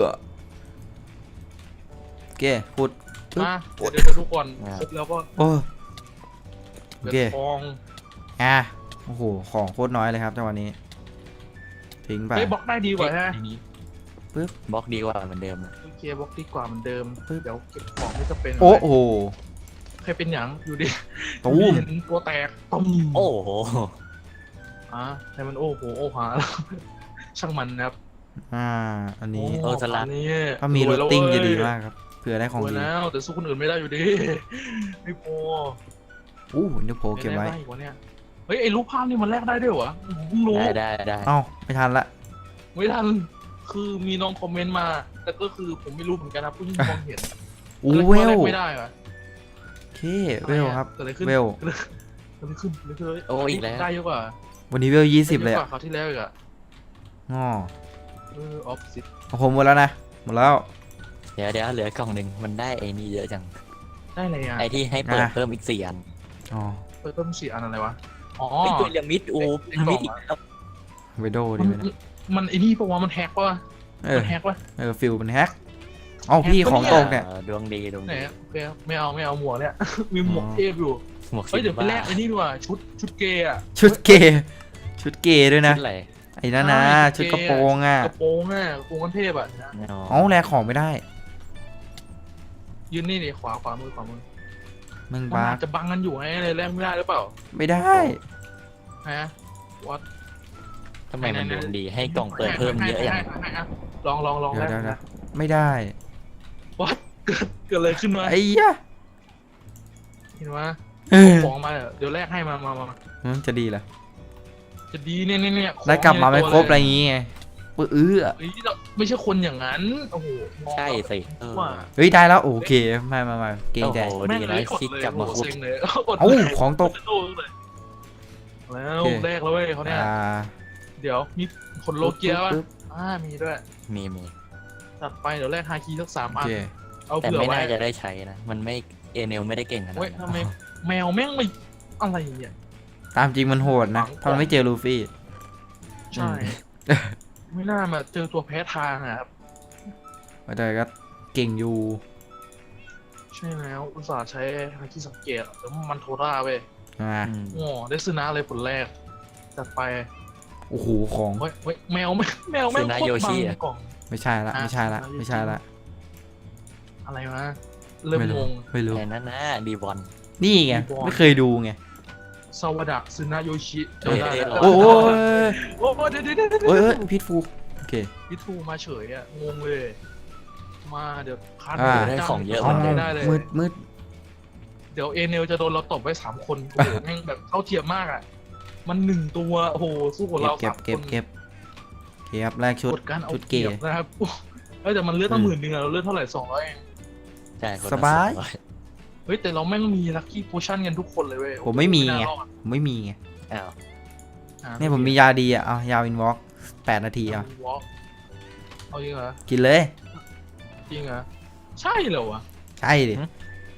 Speaker 3: โอเคพูด ปึ๊บ
Speaker 1: มาเดี๋ยวเดี๋ยวทุกคนครบแล้วก็
Speaker 3: โอ้โอ
Speaker 1: เดือ
Speaker 3: เค
Speaker 1: ดทอง
Speaker 3: อ่ะโอ้โหของโคตรน้อยเลยครับจังหวะนี้ทิ้งไป
Speaker 1: เฮ้ยบล็อกได้ดีกว่าฮะ
Speaker 2: บล็อกดีกว่าเหมือนเดิมนะ
Speaker 1: โอเคบล็อกดีกว่าเหมือนเดิม
Speaker 3: ปึ๊บ
Speaker 1: เดี๋ยวเก็บของไม่จะเป็น
Speaker 3: โอ้โห
Speaker 1: ใครเป็นหยังอยู่ดิ
Speaker 3: ตูม
Speaker 1: เห็นตัวแตกตุ้ม
Speaker 2: โอ้โห
Speaker 1: อ่ะให้มันโอ้โหโอ้หาแล้วช่างมันนะครับ
Speaker 3: อ่าอันนี้
Speaker 1: โอ้อันนี้
Speaker 3: ถ้ามี
Speaker 1: ร
Speaker 3: รู
Speaker 1: วย
Speaker 3: ท
Speaker 1: แล้ว
Speaker 3: ติ้ง
Speaker 1: เว้ย
Speaker 3: จะดีมากครับเผื่อได้ของ
Speaker 1: รวย
Speaker 3: ดี
Speaker 1: แล้วแต่สู้คนอื่นไม่ได้อยู่ดีไม่พอ
Speaker 3: อู้เดี๋ยวโผล่เก็บไว้
Speaker 1: ม่ด้อีกวะเนี่ยเฮ้ยไอ้รูปภาพนี่มันแลกได้ด้วยเหรอผมเพิ่งรู้
Speaker 2: ได้ได้ได้
Speaker 3: เอ้าไม่ทันละ
Speaker 1: ไม่ทันคือมีน้องคอมเมนต์มาแต่ก็คือผมไม่รู้เหมือนกันนะผู้ที่มองเห็น
Speaker 3: อู้
Speaker 1: แลก
Speaker 3: เวล
Speaker 1: แลกไม่ได้เหรอ
Speaker 3: โอเคเวลครับ
Speaker 1: เกิดอะไรขึ้น
Speaker 3: เวล
Speaker 1: เกิดอะไรขึ้นเกิดอะไรขึ้นเลย
Speaker 2: โอ้อีกแล้ว
Speaker 1: ได้เยอะกว่า
Speaker 3: วันนี้เวลยี่สิบเลย
Speaker 1: ได้อะก
Speaker 3: อะ
Speaker 1: ว่าคราวที่แล้วอีกอะ
Speaker 3: ง้อ
Speaker 1: เออออฟซิศ
Speaker 3: ของผมหมดแล้วนะหมดแล้ว
Speaker 2: เดี๋ยวเดี๋ยวเหลือกล่องหนึ่งมันได้ไอ้นี่เยอะจัง
Speaker 1: ได้อะไรอ่ะ
Speaker 2: ไอ้ที่ให้เปิด
Speaker 3: อ่ะ
Speaker 2: เพิ่มอีกสี่อัน
Speaker 3: อ๋อ
Speaker 1: เปิดเพิ่มสี่อันอะไรวะอ๋อ
Speaker 2: ไอ้พีระมิดโอ้
Speaker 1: ไอ้
Speaker 2: พีระมิด
Speaker 1: กล่
Speaker 2: อี
Speaker 1: อง
Speaker 2: ก
Speaker 1: อะ
Speaker 2: แล้ว
Speaker 3: เวโด
Speaker 1: มั
Speaker 3: ดี
Speaker 1: น
Speaker 3: ไหมนะ
Speaker 1: มันไอ้นี่ปะวะมันแฮกปะวะ
Speaker 3: เออ
Speaker 1: มันแฮกปะ
Speaker 3: เออฟิลมันแฮกเอ้าพี่
Speaker 1: แฮกปะ
Speaker 3: ของ
Speaker 1: เนี่ย
Speaker 3: ตกเนี่ย
Speaker 2: ออดวงดีดวง
Speaker 1: ไหน
Speaker 2: ดี
Speaker 1: อะโอเคไม่เอาไม่เอาหมวกเนี่ย มีหมวก
Speaker 3: อ๋อ
Speaker 1: เทพอยู่
Speaker 2: หมวก
Speaker 1: เฮ้ยเดี๋ยวไป
Speaker 2: บ้า
Speaker 1: แลกไอ้นี่ดีกว่าชุดชุดเกย์อะ
Speaker 3: ชุดเกย์ชุดเกย์ด้วยนะ
Speaker 2: ชุดอะไร
Speaker 3: ไอ้นั่นนะ
Speaker 1: ใช่
Speaker 3: ชุดกระโปรงอ่ะ
Speaker 1: กระโปรงอะกระโปรงกันเทพอะนะ
Speaker 2: อ๋อ
Speaker 3: เอ้าแลกของไม่ได้
Speaker 1: ยืนนี่ดิขวาขวามือขวามือ
Speaker 3: มึง
Speaker 1: มัน
Speaker 3: บ้า
Speaker 1: อาจจะบังกันอยู่ไงเลยแลกไม่ได้หรือเปล่า
Speaker 3: ไม่ได้
Speaker 1: ฮะวัด
Speaker 2: ทำไมมันดวงดีให้กล่องเปิดเพิ่มเยอะอย่าง
Speaker 1: ลองลองลอง
Speaker 3: เดี๋ยว
Speaker 1: แล
Speaker 3: เดี๋ยว
Speaker 1: ก
Speaker 3: เดี๋ย
Speaker 1: นะ
Speaker 3: วไม่ได้
Speaker 1: วัดเกิดเกิดอะไรขึ้นมา
Speaker 3: ไอ้ยะ
Speaker 1: เห็นไหม
Speaker 3: เออ
Speaker 1: ของมาเดี๋ยวแลกให้มามามา
Speaker 3: มันจะดีเหรอ
Speaker 1: จะดีเนี่ยเนี่ยเนี่ยของ
Speaker 3: ได้กลับมาไม่
Speaker 1: ในตัว
Speaker 3: ครบอะไร
Speaker 1: เลย
Speaker 3: อย่างงี้ไงปื้ออื้อ
Speaker 1: เฮ้ยเราไม่ใช่คนอย่างนั้นโอ้โหมอง
Speaker 2: ใช่สิเออ
Speaker 1: ว่า
Speaker 3: เฮ้ยได้แล้วโอเคมามามาเกรงใจ
Speaker 2: โอ้โห
Speaker 1: แม่
Speaker 2: ดี
Speaker 1: งเล
Speaker 2: นะ
Speaker 1: ยกด
Speaker 2: คิด
Speaker 1: เลย
Speaker 2: กลับมา
Speaker 1: โอ้โห
Speaker 2: คุด
Speaker 1: เซ็งเลยกด
Speaker 3: เอ้า
Speaker 1: เลย
Speaker 3: ของตก
Speaker 1: โดนเลยแล้ว
Speaker 3: โอเค
Speaker 1: แรกแล้วเว้ยเขาเนี่ย
Speaker 3: อ่า
Speaker 1: เดี๋ยวมีขนโลเกียป่ะ
Speaker 3: ปึ๊บ
Speaker 1: อ่ามีด้วย
Speaker 2: มีมี
Speaker 1: ตัดไปเดี๋ยวแรกฮาคีสักสาม
Speaker 3: โอ
Speaker 1: อัน
Speaker 3: เค
Speaker 1: เอา
Speaker 2: แต่
Speaker 1: เผื่อ
Speaker 2: ไม่
Speaker 1: ไว้
Speaker 2: น่าจะได้ใช้นะ มันไม่เอเนลไม่ได้เก่งขนาด
Speaker 1: เว้ย
Speaker 2: นั้น
Speaker 1: ทำไมแมวแม่งไม่อะไรเนี่ย
Speaker 3: ตามจริงมันโหดนะถ้ามันไม่เจอลูฟี่
Speaker 1: ใช่ ไม่น่ามาเจอตัวแพ้ทางอ่ะครับ
Speaker 3: แต่ก็เก่งอยู่
Speaker 1: ใช่แล้วอุตส่าห์ใช้ฮาคิสังเกตแล้วมันโทราเว้ย
Speaker 3: นะ
Speaker 2: อืม
Speaker 1: โอ้ได้ซื้อน้าเลยผลแรกจัดไป
Speaker 3: โอ้โหของ
Speaker 1: เฮ้ยเฮ้ยแมวไม่แมวไม่งโคตรบังกล่อง
Speaker 3: ไม่ใช่ละไม่ใช่ละไม่ใช่ละ
Speaker 1: อะไรวะเริ่ม
Speaker 3: ไม่
Speaker 1: ง
Speaker 3: รู้
Speaker 1: ง
Speaker 3: ไม่รู้
Speaker 2: แต่นั่นนะดีบอล
Speaker 3: นี่ไง
Speaker 1: บอล
Speaker 3: ไม่เคยดูไง
Speaker 1: ซาวดะซึนาโยชิ
Speaker 2: เอ้ย
Speaker 1: จำได้
Speaker 2: เอ้ย
Speaker 1: แล้ว
Speaker 3: โอ้โห
Speaker 1: โอ้โหเดี๋ยวเดี๋ยวเดี๋ยวเดี๋ยว
Speaker 3: เอ้ยเอ้ยพิษฟูโอเค
Speaker 1: พิทูมาเฉยอ่ะงงเลยมาเดี๋ยวคาด
Speaker 3: อ่า
Speaker 2: ได้ของเยอะ
Speaker 3: เอา
Speaker 2: มาก
Speaker 1: ได้เลย
Speaker 3: มืดมืด
Speaker 1: เดี๋ยวเอเนลจะโดนเราตบไว้สามคนโอ้โหแม่งแบบเท่าเทียมมากอ่ะมันหนึ่งตัวโอ้โหสู้กับเรา
Speaker 3: เก็บ
Speaker 1: สาม
Speaker 3: เก็
Speaker 1: ค
Speaker 3: บ
Speaker 1: น
Speaker 3: เก็บเก็บครับแรกชุด
Speaker 1: กดการเอา
Speaker 3: ชุด
Speaker 1: เกี
Speaker 3: เก
Speaker 1: ย
Speaker 3: ย์
Speaker 1: บนะครับโอ้เฮ้ยแต่มันเลือดตั้งหมื่นหนึ่งอะเราเลือดเท่าไหร่สองร้อยเอง
Speaker 2: ใช่คนละ
Speaker 3: สบาย
Speaker 2: องร้อ
Speaker 1: เฮ้ยแต่เราแม่งมีลัคกี้โพชั่นกันทุกคนเลยเว้ย
Speaker 3: ผมไม่มี
Speaker 1: น่า
Speaker 3: ไง
Speaker 1: รอด
Speaker 3: ผมไม่มีไง
Speaker 2: อ้าว
Speaker 1: อ่ะ
Speaker 3: เนี่ยผมมียาดีอ่ะเอายาวินวอล์กแปดนาทีอ่ะ
Speaker 1: วอล์กเอาจริงเหรอ
Speaker 3: กินเลย
Speaker 1: จริงเหรอใช่เหรอวะ
Speaker 3: ใช่ดิ
Speaker 1: ใช่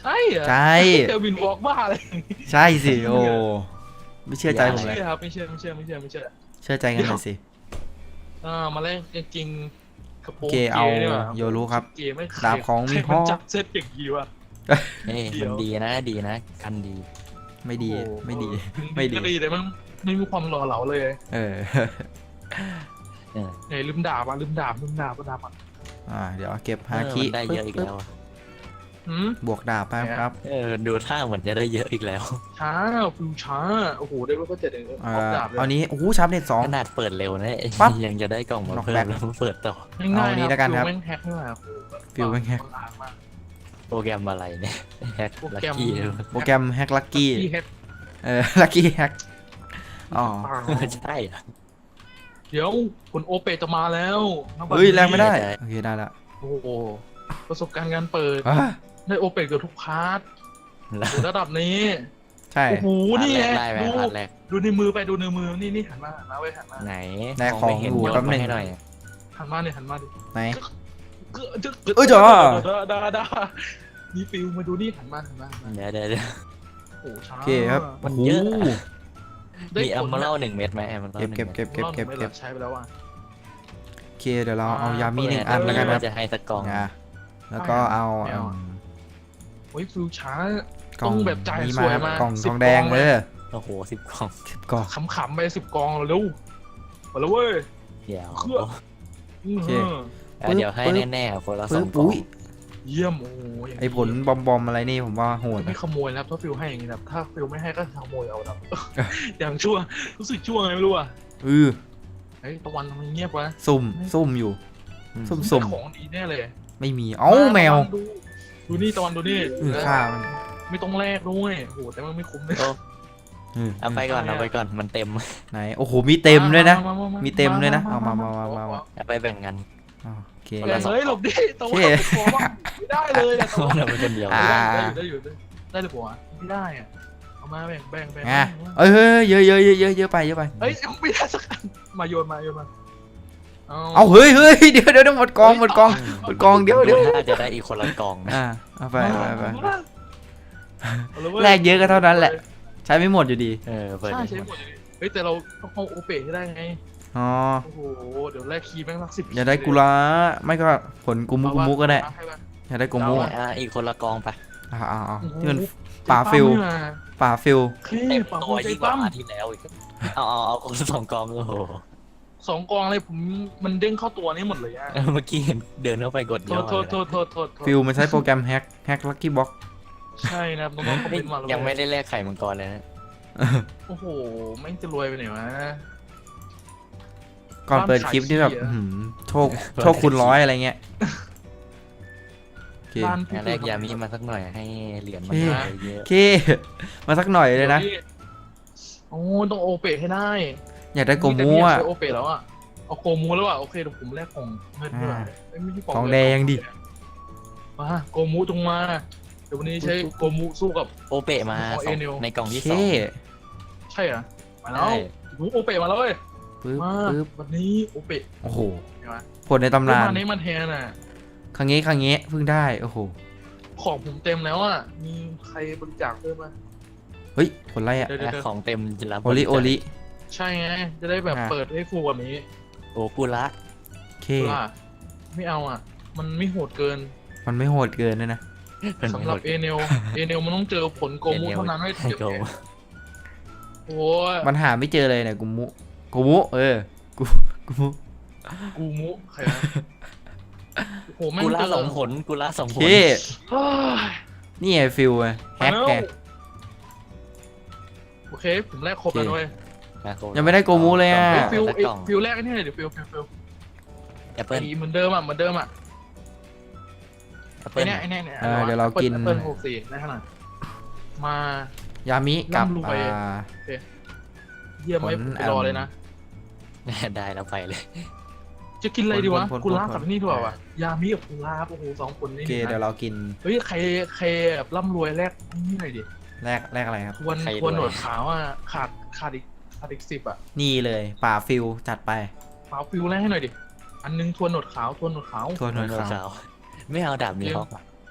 Speaker 1: ใช่เหรอ
Speaker 3: ใช่
Speaker 1: เจอวินวอล์กบ้าเลย
Speaker 3: ใช่สิโอ้ไม่เชื่อใจผม
Speaker 1: ไม่
Speaker 3: เลย
Speaker 1: เชื่อครับไม่เชื่อไม่เชื่อไม่เชื่อไม่เชื่อ
Speaker 3: เชื่อใจกันหน่อยสิ
Speaker 1: อ่ามาแรกจริงกระโปร
Speaker 3: โอง เคเอา
Speaker 1: นี่ว่ะ
Speaker 3: โยรู้ครับ
Speaker 1: เกย์ไม่ใคร
Speaker 3: ดาบของมี
Speaker 1: ใคร
Speaker 3: พ่อ
Speaker 1: มันจับเซตอย่างนี้วะ
Speaker 2: เอ้ย
Speaker 1: เดี๋
Speaker 2: มั
Speaker 1: ย
Speaker 2: น
Speaker 1: ว
Speaker 2: ดีนะดีนะกันดี
Speaker 3: ไม่ดี
Speaker 1: โอ้โห
Speaker 3: ไม่ดี
Speaker 1: ถึง
Speaker 3: ไม่ดี
Speaker 1: ก็ดีแต่มันไม่มีความหล่อเหลาเลย
Speaker 3: เออ
Speaker 2: เออ
Speaker 1: ไหนลืมดาบอ่ะลืมดาบลืมดาบลืมดาบอ่ะ
Speaker 3: อ่าเดี๋ยวเก็บฮา
Speaker 2: เออ
Speaker 3: คิ
Speaker 2: มันได้เยอะอีกแล้วอะ
Speaker 1: หืม
Speaker 3: บวกดาบไปครับ
Speaker 2: เออดูท่าเหมือนจะได้เยอะอีกแล้ว
Speaker 1: ช้าฟิวช้าโอ้โหได้ว่าก็เจ็ดเอง
Speaker 3: อ่า
Speaker 1: ออกดาบเลย
Speaker 3: เอานี้โอ้โหชับเน็ตสอง
Speaker 2: ขนาดเปิดเร็วนะ
Speaker 3: ปั๊บ
Speaker 2: ยังจะได้กล่องมา
Speaker 3: น็อก
Speaker 2: เพิ่
Speaker 3: แบ็
Speaker 2: ม
Speaker 3: ค
Speaker 2: แล้วเปิดต่อ
Speaker 1: ง่าย
Speaker 3: เอา
Speaker 1: ๆ
Speaker 3: นี้แล้วกันครับ
Speaker 1: ฟิวแม่งแฮกนี่แหละ
Speaker 3: ฟิวแม่งแฮก
Speaker 1: คนอ่านมาก
Speaker 2: โปรแกรมอะไรเนี่ยแฮก
Speaker 1: โปร
Speaker 2: ลัก
Speaker 1: แกรม
Speaker 2: กี้
Speaker 3: โปรแกรมแฮกลักกี้
Speaker 1: ที่แฮก
Speaker 3: เออ ลักกี้แฮก อ๋อ
Speaker 2: ใช่เหรอ
Speaker 1: เดี๋ยวคุณโอเปจะมาแล้วณบัด
Speaker 3: เฮ้ย แรงไม่ได้
Speaker 2: ได้
Speaker 3: โอเค ได้ละ
Speaker 1: โอ้โหประสบการณ์การเปิด
Speaker 3: อ่ะ
Speaker 1: ได้โอเปเกือบทุกพาร์ท
Speaker 2: แล้ว
Speaker 1: โอ้ระดับนี้
Speaker 3: ใช่
Speaker 1: โอ้โห
Speaker 2: พาร์ท
Speaker 1: นี่
Speaker 2: แร
Speaker 1: ไง
Speaker 2: กได้ไหม
Speaker 1: ดู
Speaker 2: พาร์ทแรก
Speaker 1: ดูในมือไปดูในมือนี่นี่หันมาหันมาไว้ยหันมา
Speaker 2: ไหน
Speaker 3: ในของ
Speaker 2: ไม่เห็น
Speaker 3: อยู่
Speaker 2: ยก
Speaker 3: แป๊บ
Speaker 2: มา
Speaker 3: นึง
Speaker 2: ให้หน่อย
Speaker 1: หันมาเนี่ยหันมาดิ
Speaker 3: ไหน
Speaker 1: เกลือจะ
Speaker 3: เอ้ยจ๋า
Speaker 1: ดาดาดานี่ฟิวมาดูนี่หันมาหันมาหันมา
Speaker 2: เดี๋ยวเดี๋ยวเดี๋ยว
Speaker 1: โอ้โหช้า
Speaker 3: โอเคครับ
Speaker 2: มัน
Speaker 3: โอ้โห
Speaker 2: เยอะ
Speaker 1: ได้
Speaker 2: มี
Speaker 1: ผ
Speaker 2: อัม
Speaker 1: ล
Speaker 2: เมอรัลหนึ่งเม็ดไหมอัมเมอรัล
Speaker 3: เก็บเก็บเก็บเก็บเก็บ
Speaker 1: ไม่หร
Speaker 3: เก็
Speaker 1: อบ ใช้ไปแล้วอ่ะ
Speaker 3: โอเค เดี๋ยวเราเอา
Speaker 1: อ่าย
Speaker 3: ยามีหนึ่ง
Speaker 1: เปิด
Speaker 3: อันแล้วกันนะ
Speaker 2: จะให้สักกล่อง
Speaker 3: อ่ะแล้วก็เอา
Speaker 1: ไม่เอา
Speaker 3: อืม
Speaker 1: โอ้ยฟิวช้า
Speaker 3: กล่อง
Speaker 1: ต้องแบบจ่าย
Speaker 3: นี้
Speaker 1: สวยมาก
Speaker 3: กล่อง
Speaker 1: สิ
Speaker 3: ท
Speaker 1: บ
Speaker 3: องแดง
Speaker 1: กล่อง
Speaker 3: เอ
Speaker 1: เลย
Speaker 3: อ
Speaker 2: โอ้โหสิบกล่อง
Speaker 3: สิบกล่อง
Speaker 1: ขำๆไปสิบกองเร็วมาแล้วเว้ย
Speaker 2: เดี๋ยว
Speaker 1: เครื่อง
Speaker 3: โอเค
Speaker 1: อื้อ
Speaker 2: เดี๋ยวให้แน่ๆคนละส
Speaker 3: ปึ๊
Speaker 2: อบ งกล่อง
Speaker 3: อุ้ย
Speaker 1: เยี่ยมโอ้โหย่าง
Speaker 3: ไอผลบอมบอมอะไรนี่ผมว่าโหด
Speaker 1: ไม่
Speaker 3: นะ
Speaker 1: ขโมยนะครับถ้าฟิลให้อย่างนี้นะครับถ้าฟิลไม่ให้ก็ขโมยเอาครับ อย่างชั่วรู้สึกชั่วไงไม่รู้อ่ะ
Speaker 3: เออ
Speaker 1: เฮ้ยตะวันทำไมเงียบวะ
Speaker 3: ซุ่มซุ่มอยู่ ซุ่ม
Speaker 1: ได้
Speaker 3: ซุ่ม
Speaker 1: ของดีแน่เลย
Speaker 3: ไม่มี เอ้าแมว
Speaker 1: ตะนดูดูนี่ตะวันดูนี่
Speaker 3: เออฆ่ามัน
Speaker 1: ไม่ต้องแลกด้วยโอ้โหแต่มันไม่คุ้มเลย
Speaker 2: โอ้
Speaker 3: เออ
Speaker 2: เอาไปก่อนเอาไปก่อนมันเต็ม
Speaker 3: ไหน โอ้โห มีเต็มด้วยนะ
Speaker 1: าาา
Speaker 3: มีเต็มด้วยนะเอามามามามามา
Speaker 2: เอาไปแบ่งกัน
Speaker 3: อ๋อโอเค
Speaker 2: คนละสอง
Speaker 1: เฮ้ยหลบดิตะวัน
Speaker 3: โอเค
Speaker 1: ขอบ้างไม่ได้เลยอะตะวัน
Speaker 2: เราเป็นคนเดียว
Speaker 3: อ่า
Speaker 1: ได้อยู่ได้อยู่ได้อยู่ได้เลยผัวไม่ได้อะเอามาแบ่งแบ่งแบ่ง
Speaker 3: อ่ะเอ้ยเฮ้ยเยอะเยอะเยอะเยอะเยอะไปเยอะไป
Speaker 1: เฮ้ยไม่ได้สักอันมาโยนมาโยนมา
Speaker 3: เอาเฮ้ยเฮ้ยเดี๋ยวเดี๋ยวเดี๋ยวหมดกองหมดกอง หมดกองเดี๋ยวเดี๋ยว
Speaker 2: ถ้าจะได้อีกคนละกล่องนะ
Speaker 3: อ่าเอาไปไปไป
Speaker 1: เอาเลยเว้ย
Speaker 3: แลกเยอะก็เท่านั้นแหละ ใช้ไม่หมดอยู่ดี
Speaker 2: เออเปิด
Speaker 1: ใช่
Speaker 2: อีก
Speaker 1: ใช่
Speaker 2: ห
Speaker 1: ห
Speaker 2: ม
Speaker 1: ม
Speaker 2: ด
Speaker 1: ดเลยเฮ้ยแต่เราต้องเอาโอเปให้ได้ไง
Speaker 3: อ๋อ
Speaker 1: โอ้โหเดี๋ยวแลกคีย์แม่งสักสิบ
Speaker 3: อย่าได้กุละไม่ก็ผลกุมุกุมุก็ได้
Speaker 1: ให้ป่ะ
Speaker 3: อย่าได้กุมุ
Speaker 2: อ่ะอีกคนละกล่องไป
Speaker 3: อ่าอ่าอ่า
Speaker 1: โอ้โห
Speaker 3: ที่มัน ป่าฟิล
Speaker 1: ใจปั้มนี่มา
Speaker 3: ป่าฟิล
Speaker 1: เฮ้ย
Speaker 2: เต็ม
Speaker 1: ป่า
Speaker 2: ตั
Speaker 1: ฟิ
Speaker 2: ว
Speaker 1: ลใจ
Speaker 2: ยิ่งกว่า
Speaker 1: ปั้ม
Speaker 2: อาทิตย์แล้วอีกเอาเอาเอาคนละสองกล่องโอ้โห
Speaker 1: สองกองเลยผมมันเด้งเข้าตัวนี้หมดเลยอะ
Speaker 2: เมื่อกี้เห็นเดินเข้าไปกด
Speaker 1: โท
Speaker 2: ย่อ
Speaker 1: ษโทษโทษโทษโทษโทษ
Speaker 3: ฟิลมันใช้โปรแกรมแฮกแฮกลักกี้บ็อก
Speaker 1: ใช่นะครับน้องๆคอมเมนต์มาแล้ว
Speaker 2: ยังไม่ได้แลกไข่มังกรเลยนะ
Speaker 1: โอ้โหแม่งจะรวยไปไหนวะ
Speaker 3: ก่อนเปิดคลิปนี่แบบ
Speaker 1: บ้านขายขี้อะ
Speaker 3: อื้อหือโชคโชคคุณร้อยอะไรเงี้ยโอเค
Speaker 1: บ้าน
Speaker 2: งั้นแลกยามีมาสักหน่อยให้เหรียญมัน
Speaker 3: โอเค
Speaker 2: เยอะ
Speaker 3: โอเค มาสักหน่อยเลยนะ
Speaker 1: โอ้ต้องโอเปให้ได้
Speaker 3: อยากได้โก
Speaker 1: แต่
Speaker 3: มู
Speaker 1: พี่อยาก
Speaker 3: อ่ะ
Speaker 1: ใช้โอเปแล้วอ่ะเอาโกมูแล้วอ่ะโอเคเดี๋ยวผมแลกของเงินด้วย
Speaker 3: อ่า
Speaker 1: เอ้ยไม่ใช่ของ
Speaker 3: ของ
Speaker 1: เน
Speaker 3: แดงดิ
Speaker 1: มาโกมูจงมาเดี๋ยววันนี้ใช้โกมูสู้กับ
Speaker 2: โอเปะมา
Speaker 1: ขอ
Speaker 2: สอง
Speaker 1: เอเนล
Speaker 2: ในกล่อง
Speaker 3: โอ
Speaker 2: ที่
Speaker 3: เค
Speaker 2: สอง
Speaker 1: ใช่เหรอมาแล้ว
Speaker 2: ใช่
Speaker 1: โอ้โหโอเปมาแล้วเว้ย
Speaker 3: ปึ๊บ
Speaker 1: มา
Speaker 3: ปึ๊บ
Speaker 1: วันนี้โอเป
Speaker 3: โอ้โห
Speaker 1: เห็นไหม
Speaker 3: ผลในตำนาน
Speaker 1: มานี้มันแทนอ่ะ
Speaker 3: ครั้งนี้ครั้งนี้เพิ่งได้โอ้โห
Speaker 1: ของผมเต็มแล้วอ่ะมีใครบริจาคเพิ่มไหม
Speaker 3: เฮ้ยผลอะไรอ่ะ
Speaker 1: เดี๋ยวเดี๋ยว
Speaker 2: อ่ะ
Speaker 1: เดี๋ยว
Speaker 2: ของเต็มจะรับ
Speaker 3: โอลิโอลิ
Speaker 1: ใช่ไงจะได้แบบ
Speaker 3: อ่า
Speaker 1: เปิดให้ฟูแบบนี้
Speaker 2: โอกุระ
Speaker 3: โอเค
Speaker 1: ว่าไม่เอาอ่ะ มันไม่โหดเกิน
Speaker 3: มันไม่โหดเกินเลยนะ
Speaker 2: เป็น
Speaker 1: สำหรับเอเนลเอเนลมันต้องเจอผลโกมูเท่านั้นไม่ถึงจะ
Speaker 2: โก
Speaker 1: แพ้โอ้ย
Speaker 3: มันหาไม่เจอเลยเนี่ยกูมุกูมุเออกูกูมุ
Speaker 1: กูมุใครนะโอ้โหแม่ง
Speaker 2: กุ
Speaker 1: เจ
Speaker 2: ระ
Speaker 1: อ
Speaker 2: สองผลกุระสอง
Speaker 3: โอ
Speaker 2: ผ
Speaker 3: เค
Speaker 2: ล
Speaker 1: เฮ้ย
Speaker 3: นี่ไงฟิลไงแฮกไง
Speaker 1: โอเค ผมแลกครบแล้วด้วย
Speaker 3: ยังไม่ได้โกมูเลยอะ
Speaker 1: เฮ้ยฟิล
Speaker 2: สัก
Speaker 1: เอ้ย
Speaker 2: กล่อง
Speaker 1: ฟิลแรกไอ้นี่เลยเดี๋ยวฟิลฟิลฟิล
Speaker 2: แอปเปิ้ล
Speaker 1: ไอ้เหมือนเดิมอ่ะเหมือนเดิมอ่ะ
Speaker 2: แอป
Speaker 1: ไอ้
Speaker 2: เปิ้ล
Speaker 1: เนี่ยไอ้เนี่ยเนี่ย
Speaker 3: เออเดี๋ยวเรากิน
Speaker 1: แอปเปิลหกสี่ได้ขนาดมาย
Speaker 3: ามิกับ
Speaker 1: ร่ำรวย
Speaker 3: อ่า
Speaker 1: เยี่ยมไหม
Speaker 3: ผล
Speaker 1: ผมไปรอเลยนะ
Speaker 2: ได้แล้วไปเลย
Speaker 1: จะกินอะไรดีวะ
Speaker 3: ผลผลผล
Speaker 1: กุลากับนี่ดีกว่าวะยามิกับกุลาโอ้โหสองคน
Speaker 3: โอ
Speaker 1: นี่
Speaker 3: เค
Speaker 1: นะ
Speaker 3: เดี๋ยวเรากิน
Speaker 1: เฮ้ยใครใครแบบร่ำรวยแรกนี่หน่อยดิ
Speaker 3: แรกแรกอะไรครับ
Speaker 1: ทวน
Speaker 2: ใคร
Speaker 1: ทวน
Speaker 2: รวย
Speaker 1: หนวดขาวอ่ะขาดขาดอีกขาดอีกสิบอ่ะ
Speaker 3: นี่เลยป่าฟิลจัดไป
Speaker 1: ขาวฟิวแรกให้หน่อยดิอันนึงทวนหนวดขาวทวนหนวดขาว
Speaker 3: ทวนหนวด
Speaker 2: โน
Speaker 3: ขาว
Speaker 2: ขาวไม่เอาดาบมีฮอกอ่ะ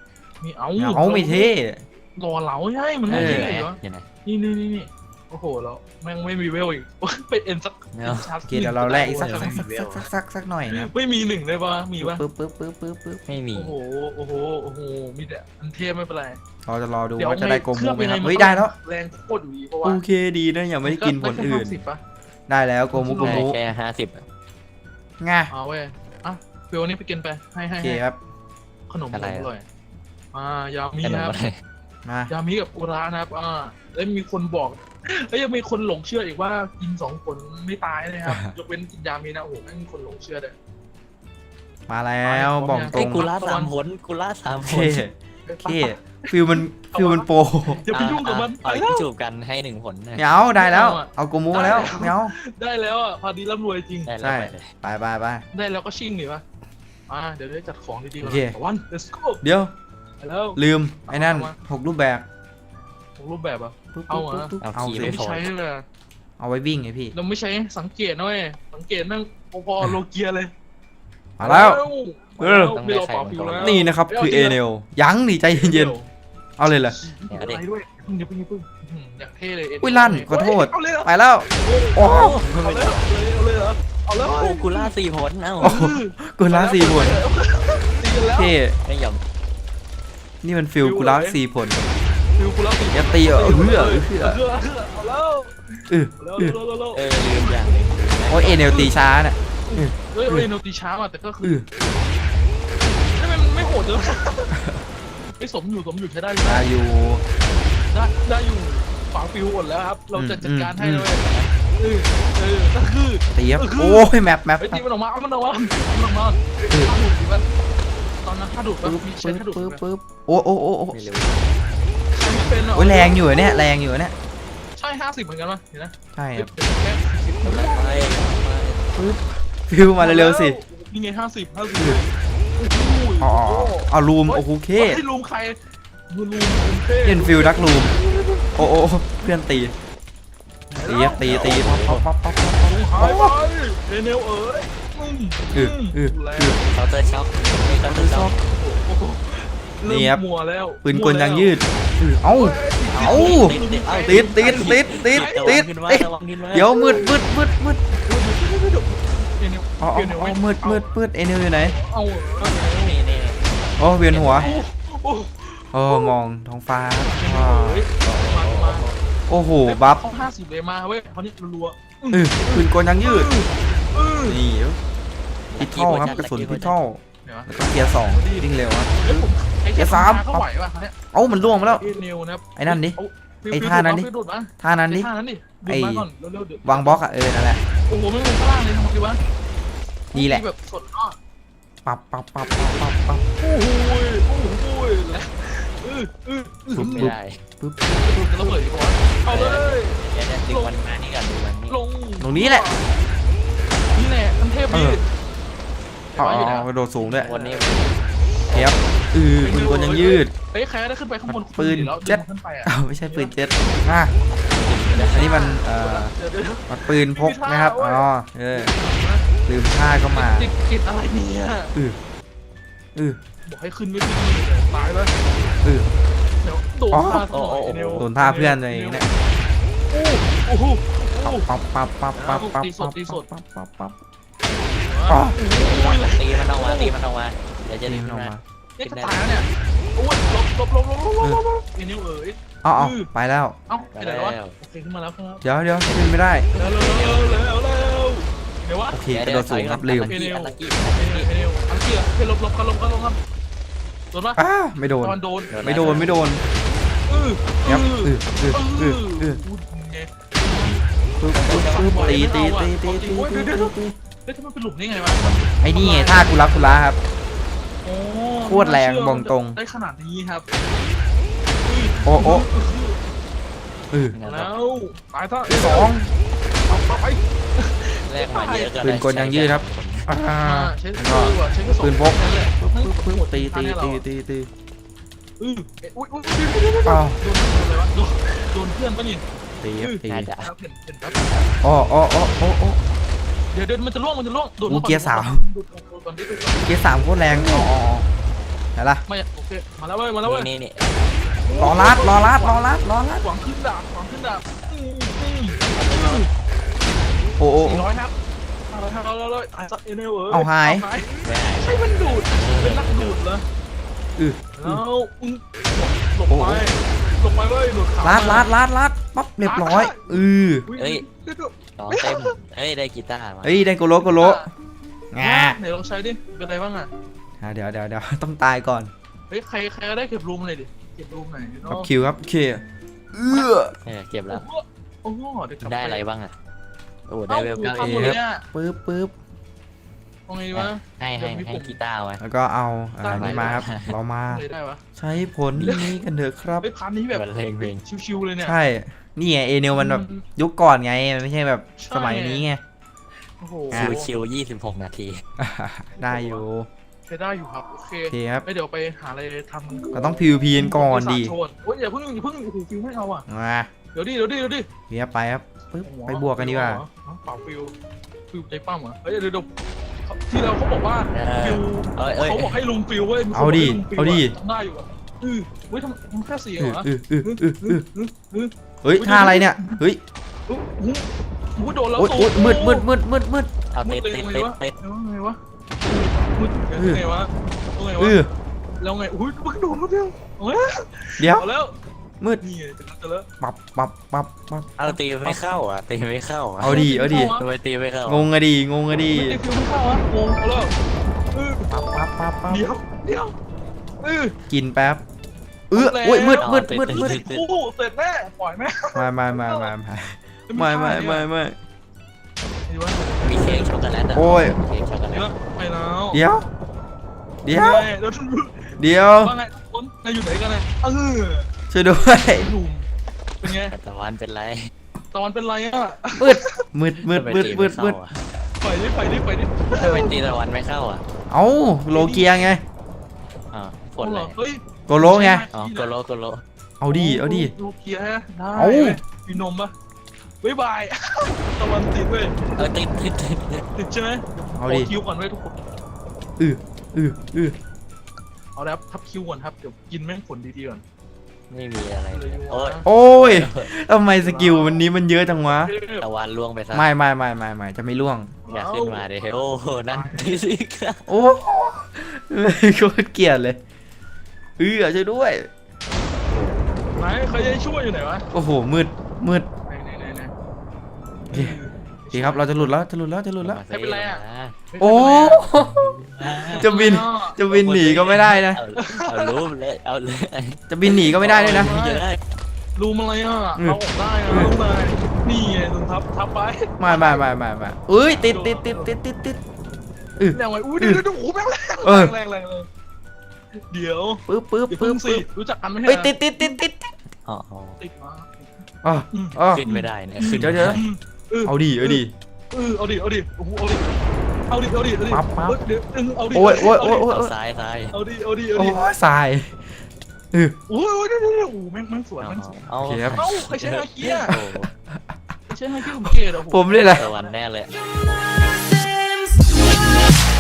Speaker 1: มีเอา
Speaker 3: เอาไม่เท่
Speaker 1: รอเหลาใช่มัน
Speaker 2: ไหน
Speaker 1: ไม่
Speaker 2: ไหน
Speaker 1: เท่เหรอ
Speaker 2: อยู่ไหน
Speaker 1: นี่นี่นี่นี่โอ้โหแล้วแม่งไม่มีเวลอีกเป็นเอ็นสัก
Speaker 2: ไม่เอา
Speaker 3: โอเคเดี๋ยวเราแลกอีกสักสักสักสักสักสักหน่อยนะ
Speaker 1: ไม่มีหนึ่งเลยปะมีปะ
Speaker 3: ปึ๊บปึ๊บปึ๊บปึ๊บปึ๊บ
Speaker 2: ไม่มี
Speaker 1: โอ้โหโอ้โหโอ้โหมีแต่อันเทพไม่เป็นไร
Speaker 3: เราจะรอดู
Speaker 1: เดี๋ยว
Speaker 3: ว่าจะได้โก
Speaker 1: เค
Speaker 3: มู
Speaker 1: รื่อง
Speaker 3: ไหม
Speaker 1: ยัง
Speaker 3: ค
Speaker 1: ไง
Speaker 3: รับ
Speaker 1: มัน
Speaker 3: เฮ้ยได้แล้ว
Speaker 1: แรงโคตรดีเพราะ
Speaker 3: โอ
Speaker 1: ว่า
Speaker 3: เคดีนะยังไม่ได้กินผลอื่น
Speaker 1: ได้แค่ห้าสิบปะ
Speaker 3: ได้แล้วโกมูโก
Speaker 2: ได้
Speaker 3: มู
Speaker 2: แค่ห้าสิบ
Speaker 3: ง่ะ
Speaker 1: เอาเว้ยอ่ะเฟลนี่ไปกินไปให้
Speaker 3: โอ
Speaker 1: ให้
Speaker 3: เค
Speaker 1: ให้
Speaker 3: ครับ
Speaker 1: ขนมอร่อยมายามี
Speaker 2: ขนม
Speaker 1: ครับ
Speaker 2: อะไร
Speaker 3: มาย
Speaker 1: ามีกับอุระนะครับอ่าแล้วมีคนบอกแล้วยังมีคนหลงเชื่ออีกว่ากินสองคนไม่ตายนะครับยกเว้นกินยามีนะโอ้โหแม่งมีคนหลงเชื่อเลย
Speaker 3: มาแล้วบอกตร
Speaker 2: ไอ้
Speaker 3: ง
Speaker 2: กูล่าสามผลกูล่าสาม
Speaker 3: โอ
Speaker 2: ผ
Speaker 3: เค
Speaker 2: ล
Speaker 3: โอเคฟิลมันฟิลมันโปร
Speaker 1: อย่าไปยุ่งกับมัน
Speaker 2: เอา
Speaker 1: ไป
Speaker 2: อี
Speaker 1: แล้ว
Speaker 2: กจูบกันให้หนึ่งผลนะ
Speaker 3: เหนียวได้แล้ว เอาโกมูมาแล้วเหนียว
Speaker 1: ได้แล้วอ่ะพอดีร่ำรวยจริง
Speaker 2: ได้แล้ว
Speaker 3: ใช่
Speaker 2: ไปเลย
Speaker 3: ไปไปไป
Speaker 1: ได้แล้วก็ชิ่งหนิวะอ่าเดี๋ยวได้จัดของดีๆก่อน
Speaker 3: โอเค
Speaker 1: วัน let's go
Speaker 3: เดี๋ยว
Speaker 1: ไปแล้ว
Speaker 3: ลืมไอ้นั่นหกรูปแบบ
Speaker 1: ผมรูปแบบอ่ะ
Speaker 3: ปึ๊บ
Speaker 1: เอา
Speaker 3: ปึ๊บ
Speaker 1: อะ
Speaker 3: ปึ๊บ
Speaker 2: เอา
Speaker 3: เอา
Speaker 2: ขี่
Speaker 3: สิ
Speaker 2: ไม่
Speaker 1: ไม่
Speaker 2: พอ
Speaker 1: ใช้เลยอะ
Speaker 3: เอาไว้วิ่งไงพี่
Speaker 1: เราไม่ใช้สังเกตนะเว้ยสังเกตแม่งพอๆโลเกียเลย
Speaker 3: มาแล้ว เออ
Speaker 1: ไม่รอเปล่าฟิวแล้ว
Speaker 3: นี่นะครับคือเอเนลยังนี่ใจเย็นๆเอาเลยเหรอ
Speaker 1: อะไรด้วยอย่าเพิ่งอย่าเพิ่งอย่าเพิ่งอื้อหืออยากเท่เลย
Speaker 3: อุ้ยลั่นขอโทษ
Speaker 1: เอาเลยเหรอ
Speaker 3: ไปแล้วโอ้
Speaker 1: เอาเลยเหรอเอาเลยเหรอเอาเลยเหรอ
Speaker 2: โอ้กูล่าสี่ผลเอ้า
Speaker 3: โอ้กูล่าสี่ผล
Speaker 1: ตีกันแล้ว
Speaker 3: เท่
Speaker 2: ไม่ยอม
Speaker 3: นี่มันฟิลกูล่าสี่ผล
Speaker 1: ฟิวกูแล้วตี
Speaker 3: อย่าตีอ่ะเออเออเออ
Speaker 1: เอาแล้ว
Speaker 3: เออ
Speaker 1: เอา
Speaker 3: เออ
Speaker 1: แล้วเอาแล้ว
Speaker 2: เออลืมอย่างหนึง
Speaker 3: โอ้ยเอเนลตีช้าน่ะ
Speaker 1: เฮ้ยเฮ้ยโนตีช้าอ่ะแต่ก็
Speaker 3: เอ
Speaker 1: คือ
Speaker 3: อ
Speaker 1: ไม่ไม่โหดเลยไม่สมอยู่สมอยู่ใช้ได้อยู่
Speaker 3: มาอยู่
Speaker 1: ได้ได้อยู่ฝาฟิวหมดแล้วครับ เราจะจัดการให้
Speaker 3: อื
Speaker 1: เล
Speaker 3: ม
Speaker 1: ยเออเออก็คือ
Speaker 3: ตีครับ
Speaker 1: เออคือ
Speaker 3: โอ้ยแมปแมป
Speaker 1: ไอ้
Speaker 3: แม
Speaker 1: ตี
Speaker 3: ป
Speaker 1: มันออกมาเอามันออกมาเอามันออกมาถ้าดูดดิวะตอนนั้นถ้าดูดว่า
Speaker 3: ปึ๊บ
Speaker 1: มีใช้
Speaker 3: ปึ๊บ
Speaker 1: ถ้าดูด
Speaker 3: ปึ๊บ
Speaker 1: ไหม
Speaker 3: ปึ๊บโอ้โอ้โอ้โอ้
Speaker 2: ไม่รู้
Speaker 1: ใช้ไม่เป็นอ่ะ
Speaker 3: โอ้ยแรงอยู่อะเนี่ยแรงอยู่อะเนี่ย
Speaker 1: ใช่ห้าสิบเหมือนกันวะเห็นนะ
Speaker 3: ใช่ครับ
Speaker 1: แค่สิบ
Speaker 2: ไป
Speaker 3: ปึ๊บฟิลมาเร็วๆสิ
Speaker 1: นี่ไงห้าสิบห้าสิบ
Speaker 3: อ๋อเอารูมโอ้โหเค
Speaker 1: ให้ลูมใครมือลูมลูมเท่
Speaker 3: เล่นฟิลดักรูมโอ้โอ้เพื่อนตีตีครับตีตีป๊อปป๊อปป๊อปป๊อปป๊อป
Speaker 1: หายไปเรเนลเอ๋ยมึง
Speaker 3: เออเออ
Speaker 1: แล้ว
Speaker 2: เคาน์เตอร์ช็อคไม่เคาน์เตอร์ช็อค
Speaker 1: โอ้โห
Speaker 3: นี่ครับ
Speaker 1: เริ่มมัวแล้ว
Speaker 3: ปืนกลยางยืดเออเอ้า เอ้า ติดติดติดติดติด
Speaker 2: ขึ้นมา
Speaker 3: ติด
Speaker 2: ระวังขึ้นมา
Speaker 3: เดี๋ยวมืดมืดมืดมืด
Speaker 1: เรเนล
Speaker 3: อ๋ออ๋ออ๋อมืดมืดมืดเอเนลอยู่ไหน
Speaker 1: เอา
Speaker 2: นี่นี่
Speaker 3: โอ้เวียนหัว
Speaker 1: โอ้
Speaker 3: โอ้มองท้องฟ้า
Speaker 1: เรเน
Speaker 3: ว้า
Speaker 1: ล
Speaker 3: ว
Speaker 1: เอ๋ยมามา
Speaker 3: โอ้โหบัฟ
Speaker 1: เขาห้าสิบเลยมาเว้ยเขานี่รัว
Speaker 3: เออปืนกลยางยืด
Speaker 1: เออ
Speaker 3: นี่พิทเท่าครับกระสุนพิทเท่า
Speaker 1: เดี๋ยว
Speaker 3: แล้วก็เกียร์สองวิ่งเร็วครับ
Speaker 1: เฮ้ยผมไอ้
Speaker 3: เดี๋
Speaker 1: แค่
Speaker 3: ยวสาม
Speaker 1: เขาไหวป่ะเนี่ย
Speaker 3: เอ้ามันล่วงมาแล้ว
Speaker 1: เรเนลนะครับ
Speaker 3: ไอ้นั่นดิ
Speaker 1: เาฟิว
Speaker 3: ไอ้
Speaker 1: ฟิว
Speaker 3: ท่านั้นดิ
Speaker 1: ฟิวดูดมา
Speaker 3: ท่านั้นดิ
Speaker 1: ไอ้ท่านั้นดิดู
Speaker 3: ไอ้
Speaker 1: ดมาก่อนเร็วๆเดี๋ยว
Speaker 3: วางบล็อกอะเออนั่นแหละ
Speaker 1: โอ้โหไม่ลงข้างล่างเลยทำไมดีวะ
Speaker 3: นี่แหละ
Speaker 1: แบบสดอ้อ
Speaker 3: ปับปับปับปับปับปับ
Speaker 1: โอ้โหโอ้โหแล้วเออเออเออ
Speaker 3: ปุ๊บ
Speaker 2: ไม่
Speaker 3: ปุ๊บ
Speaker 2: ได้
Speaker 3: ปุ๊บ
Speaker 1: จะระเบิดอีกวะเอาเลย
Speaker 2: เดี๋ยวเดี๋ยวดึงมันมานี่ก่อนดึงมันนี่
Speaker 1: ลง
Speaker 3: ตรงนี้แหละ
Speaker 1: นี่แหละทันเทพดี
Speaker 3: อ๋ออ๋อกระโดดสูงด้วย
Speaker 2: วันนี้
Speaker 3: เทียบเออปืนกลยางยืด
Speaker 1: เฮ้ยใครได้ขึ้นไปข้างบน
Speaker 3: ปืน
Speaker 1: แล้ว
Speaker 3: เจ็
Speaker 1: เจ็
Speaker 3: ต
Speaker 1: ขึ้นไปอ่ะ
Speaker 3: อ้าวไม่ใช่ปืนเจ็ตอ่ะอันนี้มันเอ่อ
Speaker 1: เดี๋ยวเดี๋ยว
Speaker 3: มันปืนพกนะครับอ๋อเออลืมท่าก็มา
Speaker 1: ติดติดอะไรเนี่ย
Speaker 3: เออเออ
Speaker 1: บอกให้ขึ้นไม่ขึ้นตายแล้ว
Speaker 3: เออ
Speaker 1: เดี๋ยวโดนท่าซะหน่อยไอ้เนว
Speaker 3: โดนท่าเพื่อนเลยเนี่ย
Speaker 1: โอ้โหโอ้โห
Speaker 3: ปั๊บปั๊บปั๊บปั๊บปั๊บ
Speaker 1: ตีส
Speaker 3: ปั๊
Speaker 1: ด
Speaker 3: บ
Speaker 1: ตีสด
Speaker 3: ปั๊บปั๊บปั๊บ
Speaker 1: อ๋อ
Speaker 2: ตีมันออกมาตีมันออกมาเดี๋ยวจะ
Speaker 3: นี่
Speaker 2: ดึง
Speaker 3: มันอ
Speaker 2: ขึ้
Speaker 3: อน ก
Speaker 2: มา
Speaker 3: มา
Speaker 1: เนี่ยจะตายแล้วเนี่ยโอ้ยลบลบลบลบลบลบลบไอ้เนวเอ๋ย
Speaker 3: เอ๋อาไปแล้ว
Speaker 1: เอ้าไปไหนแล้ววะโอเคขึ้นมาแล้วครับ
Speaker 3: เดี๋ยวเดี๋ยวขึ้นไม่ได้
Speaker 1: เร็วเร็วเร็วเร็วเร็วเดี๋ยววะ
Speaker 3: โอเคกระโดดสูงครับลืม
Speaker 2: อันลักกี้
Speaker 1: เอเนวเอเนวอันเกียร์เฮ้ยลบลบกันลบกันลบกันโดนปะ
Speaker 3: อ้าไม่โดน
Speaker 1: ตอนโดน
Speaker 3: ไม่โดนไม่โดน
Speaker 1: เออ
Speaker 3: ครับเออเออเออเออ
Speaker 1: พูดไง
Speaker 3: ปึ๊บปึ๊บปึ๊บตีตีตีตีตีตีตี
Speaker 1: เฮ้ยทำไมเป็นหลุมนี่ไงวะ
Speaker 3: ไอ้นี่ไงท่ากุลักกุลาครับ
Speaker 1: โอ้
Speaker 3: โคตรแรงบอกตรง
Speaker 1: ได้ขนาดนี้ครับ
Speaker 3: โอ้โอ้เออ
Speaker 1: แล้วตายซะ
Speaker 3: สอง
Speaker 1: เอาไป
Speaker 2: แรกมาเยอะก็
Speaker 3: ปืนกลยางยืดครับอ่า
Speaker 1: ใช้
Speaker 3: แล้ว
Speaker 1: ปื
Speaker 3: ก็
Speaker 1: นว่ะใช้กระสุน
Speaker 3: ปืนพก
Speaker 1: นั่นแหละ
Speaker 3: ปึ๊บปึ๊บปึ๊บตีตีตีตีตี
Speaker 1: อืออุ้ยอุ้ย
Speaker 3: อ้าว
Speaker 1: โดนอะไรวะโดนโดนเพื่อนปะนี่
Speaker 3: ตีครับตี
Speaker 2: น่าจะ
Speaker 1: ครับเห็นเห็นครับ
Speaker 3: อ๋ออ๋ออ๋ออ๋ออ๋อ
Speaker 1: เดี๋ยวเดี๋ยวมันจะล่วงมันจะล่วงโดน
Speaker 3: อู้เกียร์สาม
Speaker 1: โดนโดนโดนโดนโดน
Speaker 3: เกียร์สามโคตรแรงอ๋ออ๋อไหนล่ะ
Speaker 1: ไม่โอเคมาแล้วเว้ยมาแล้วเว้ย
Speaker 2: นี่นี่
Speaker 3: รอลัดรอลัดรอลัดรอลัด
Speaker 1: หวังขึ้นดาบหวังขึ้นดาบอืมอืม
Speaker 3: โอ้โอ้
Speaker 1: สี่ร้อยครับห้าร้อยห้าร้อยห้าร้อยไอ้สัตว์เอเนลเอ้ย
Speaker 3: เอาหาย
Speaker 2: ไม่หาย
Speaker 1: ใช่มันดูดเป็นนักดูดเหรอ
Speaker 3: อือ
Speaker 1: แล้วอืมหลบไปหลบไปเว้ยหลุดขา
Speaker 3: ลัดลัดลัดลัดปั๊บเรียบร้อยอือ
Speaker 2: เฮ้ยต่อเต็มเฮ้ยได้กีตาร์มา
Speaker 3: เฮ้ยได้โกโลโกโลงา
Speaker 1: ไหนลองใช้ดิเป็นไรบ้างอ่ะ
Speaker 3: อ่ะเดี๋ยวเดี๋ยวเดี๋ยวต้องตายก่อน
Speaker 1: เฮ้ยใครใครก็ได้เก็บรูมเลยดิเก็บรูมไหนอย
Speaker 3: กับ
Speaker 1: เนาะ
Speaker 3: คิวครับโอเคเอื้อ
Speaker 2: เออเก็บแล้ว
Speaker 1: โอ้โหเดี๋ยวกลับ
Speaker 2: ได้
Speaker 1: ป
Speaker 2: อะไรบ้างอ่ะโอ้ได้เวลเก้า
Speaker 1: ทำหมด
Speaker 2: เอ
Speaker 1: เลยอ่ะ
Speaker 3: ปึ๊บปึ๊บ
Speaker 1: เอาไงดีวะ
Speaker 2: ให้ให้ให้กีตาร์ไว้
Speaker 3: แล้วก็เอาอ่านี่มาครับเรามา
Speaker 1: เลยได้วะ
Speaker 3: ใช้ผลนี้กันเถอะครับ
Speaker 1: เฮ้ยพันนี้แบบ
Speaker 2: บรรเลงเพลง
Speaker 1: ชิวๆเลยเนี่ย
Speaker 3: ใช่นี่ไงเอเนลมันแบบยุคก่อนไงมันไม่ใช่แบบ
Speaker 1: ใช่
Speaker 3: สมัยนี้ไง
Speaker 1: โอ้โห
Speaker 2: คิวคิวยี่สิบหกนาที
Speaker 3: อ่าได้อยู่
Speaker 1: ใช้ได้อยู่ครับโอเค
Speaker 3: โอเคครับ
Speaker 1: ไม่เดี๋ยวไปหาอะไรทำ
Speaker 3: เราต้อง พี วี พี กันก่อนดี
Speaker 1: โชว์โอ้ยอย่าเพิ่งอย่าเพิ่งโอ้โหฟิวไม่เอาอ่ะ
Speaker 3: มา
Speaker 1: เดี๋ยวดิเดี๋ยวดิเดี๋ยวดิ
Speaker 3: เรียบไปครับปึ๊บไปบวกกันดีกว่า
Speaker 1: เปล่าฟิวฟิวใจปั้มเหรอเฮ้ยเดี๋ยวเดี๋ยวที่เราเขาบอกว่า
Speaker 2: เออ
Speaker 1: ฟิว
Speaker 2: เอ้ยเอ้ย
Speaker 1: เขาบอกให้ลุงฟิวเว้ยมีคน
Speaker 3: เอาดิ
Speaker 1: บกให้ลุงฟิวะ
Speaker 3: เอาดิ
Speaker 1: ทำได้อยู่อ่ะอือเฮ้ยทำมันแค่เสียง
Speaker 3: อื
Speaker 1: เห
Speaker 3: อ
Speaker 1: รอ
Speaker 3: อืออืออืออือ
Speaker 1: อืออือ
Speaker 3: เฮ้ยท่าอะไรเนี่ยเฮ้ย
Speaker 1: อู้หูหูโดนแล้ว
Speaker 3: โอ๊ยโอ๊ยมืดมืดมืดมืดมืด
Speaker 2: เอา
Speaker 1: มื
Speaker 2: ติ
Speaker 1: ด
Speaker 2: ด
Speaker 1: เลย
Speaker 2: ติด
Speaker 1: ไง
Speaker 2: ติด
Speaker 1: วะ
Speaker 2: ติด
Speaker 1: ไงวะมืดไงวะไง
Speaker 3: เอ
Speaker 1: วะ
Speaker 3: อ
Speaker 1: แล้วไงอุ้ยมึงโดนแล้วเดียวเฮ้ย
Speaker 3: เดี๋ยว
Speaker 1: เอาแล้ว
Speaker 3: มืด
Speaker 1: นี่ไงจะจะแล้ว
Speaker 3: ปับปับปับปับ
Speaker 2: เอาตีไม่เข้าอ่ะตีไม่เข้าอ่ะ
Speaker 3: เอาดีเอาดี
Speaker 2: ทำไมตีไม่เข้าง
Speaker 3: งอะดีงงอะดี
Speaker 1: ไม่ได้ฟิวไม่เข้าวะงงเอาแล้วเออ
Speaker 3: ปับปับปับปับ
Speaker 1: เดี๋ยวเดี๋ยวเออ
Speaker 3: กินแป๊บเออโอ้ยมืดมืดมืดมืด
Speaker 1: โอ้โหเสร็จแน่ปล่อยแม่
Speaker 3: มามามามามาไม่ไม่ไม่ไม่
Speaker 1: ดีวะ
Speaker 2: มีเค้กช็อกโกแลตอ่ะ
Speaker 3: โอ้ย
Speaker 2: เค้กช็อกโกแล
Speaker 1: เดี๋ยว
Speaker 2: ต
Speaker 1: ไปแล้ว
Speaker 3: เดี๋ยวเดี๋ยว
Speaker 1: เดี๋ยว
Speaker 3: เดี๋ยว
Speaker 1: ว่าไงคนนายอยู่ไหนกันนะเออ
Speaker 3: ช่วยด้วย
Speaker 1: หนุ่มเป็นไง
Speaker 2: ตะวันเป็นไร
Speaker 1: ตอนเป็นไรอ่ะ
Speaker 3: มืดมืดมืดมืดมืดมืด
Speaker 1: ไปดิไปดิไปดิ
Speaker 2: ทำไมตีตะวันไม่เข้าอ่ะ
Speaker 3: เอ้าโลเกียไง
Speaker 2: อ่าฝนอะไร
Speaker 1: เฮ้ย
Speaker 3: โกโลไง
Speaker 2: อ๋อโกโลโกโล
Speaker 3: เอาดีเอาดี
Speaker 1: โลเกียได้
Speaker 3: เอา
Speaker 1: มีนมปะบ๊ายบายตะวันติดเว้ย
Speaker 2: เออติดติดติดติด
Speaker 1: ติดใช่ไหม
Speaker 3: เอา
Speaker 1: ข
Speaker 3: ดิ
Speaker 1: คิวก่อนเว้ยทุกคน
Speaker 3: อืออืออือ
Speaker 1: เอาแล้วทับคิวก่อนครับเดี๋ยวกินแม่งผลดีๆก่อน
Speaker 2: ไม่มีอะไรเลยโอ้ย
Speaker 3: โอ้ยทำไมสกิลวันนี้มันเยอะจังวะ
Speaker 2: ตะวันล่วงไปซะ
Speaker 3: ไม่ไม่ไม่ไม่ไม่จะไม่ล่วง
Speaker 2: อยากขึ้นมาดิโอ้โหนั่นที่สิค่ะ
Speaker 3: โอ้โคตรเกลียดเลยเออช่วยด้วย
Speaker 1: ไหนใครจะช่วยอยู่ไหนวะ
Speaker 3: โอ้โหมืดมืด
Speaker 1: ไหนไหนไหนไหน
Speaker 3: โอเค โอเคครับเราจะหลุดแล้วจะหลุดแล้วจะหลุดแล้ว
Speaker 1: ไม่เป็นไรอะ
Speaker 3: โอ้จะบินจะบินหนีก็ไม่ได้นะ
Speaker 2: เอาเอารูปเลยเอาเลย
Speaker 3: จะบินหนีก็ไม่ได้ด้วยนะ
Speaker 2: เยอะได้
Speaker 1: รูมอะไรอ่ะ
Speaker 3: อืม
Speaker 1: เอาออกได้อะรูมอะไรนี่ไงลุงทับทับไป
Speaker 3: ไม่ไม่ไม่ไม่ไม่เอ้ยติดติดติดติดติดติด
Speaker 1: แรงไว้อุ้ยเดี๋ยวเดี๋ยวโอ้โหแม่งแรง
Speaker 3: เออ
Speaker 1: แรงแรงแรงเดี๋ยว
Speaker 3: ปึ๊บปึ๊บ
Speaker 1: อย่า
Speaker 3: ปึ๊
Speaker 1: เพิ่
Speaker 3: บ
Speaker 1: งสิ
Speaker 3: ปึ๊บ
Speaker 1: รู้จักกันไหม
Speaker 3: เอ้ยติดติดติดติดติด
Speaker 2: อ๋ออ๋อ
Speaker 1: ติดมา
Speaker 3: อ๋ออ๋อ
Speaker 2: ขึ้นไม่ได้เนี่ยขึ้น
Speaker 3: เดี๋ยวเดี๋ยว
Speaker 1: เออ
Speaker 3: เอาดิเอาดิ
Speaker 1: เออเอาดิเอาดิโอ้โหเอาดิเอาดิเอาดิเอาดิ
Speaker 3: ปั๊บปั๊บ
Speaker 1: เออเดี๋ยวเออเอาดิ
Speaker 3: โอ้ยโอ้ยโอ้ยโอ้ย
Speaker 2: เอาซ้ายซ้าย
Speaker 1: เอาดิเอาดิเอา
Speaker 3: โอ้
Speaker 1: ดิ
Speaker 3: ยสายเออ
Speaker 1: โอ้ยโอ้ยเดี๋ยวเดี๋ยวเดี๋ยวโอ้โหแม่งแม่งสวย
Speaker 2: เอา
Speaker 1: แม่งสวย
Speaker 2: เอา
Speaker 3: โอเคครับ
Speaker 1: เอ้าใครใช้ฮาคิอะ
Speaker 2: โอ้โห
Speaker 1: ใช้ฮาคิผมเกลียดอะโอ้โห
Speaker 3: ผมเลยแหละ
Speaker 2: ตะวันแน่เลย
Speaker 4: Nothing's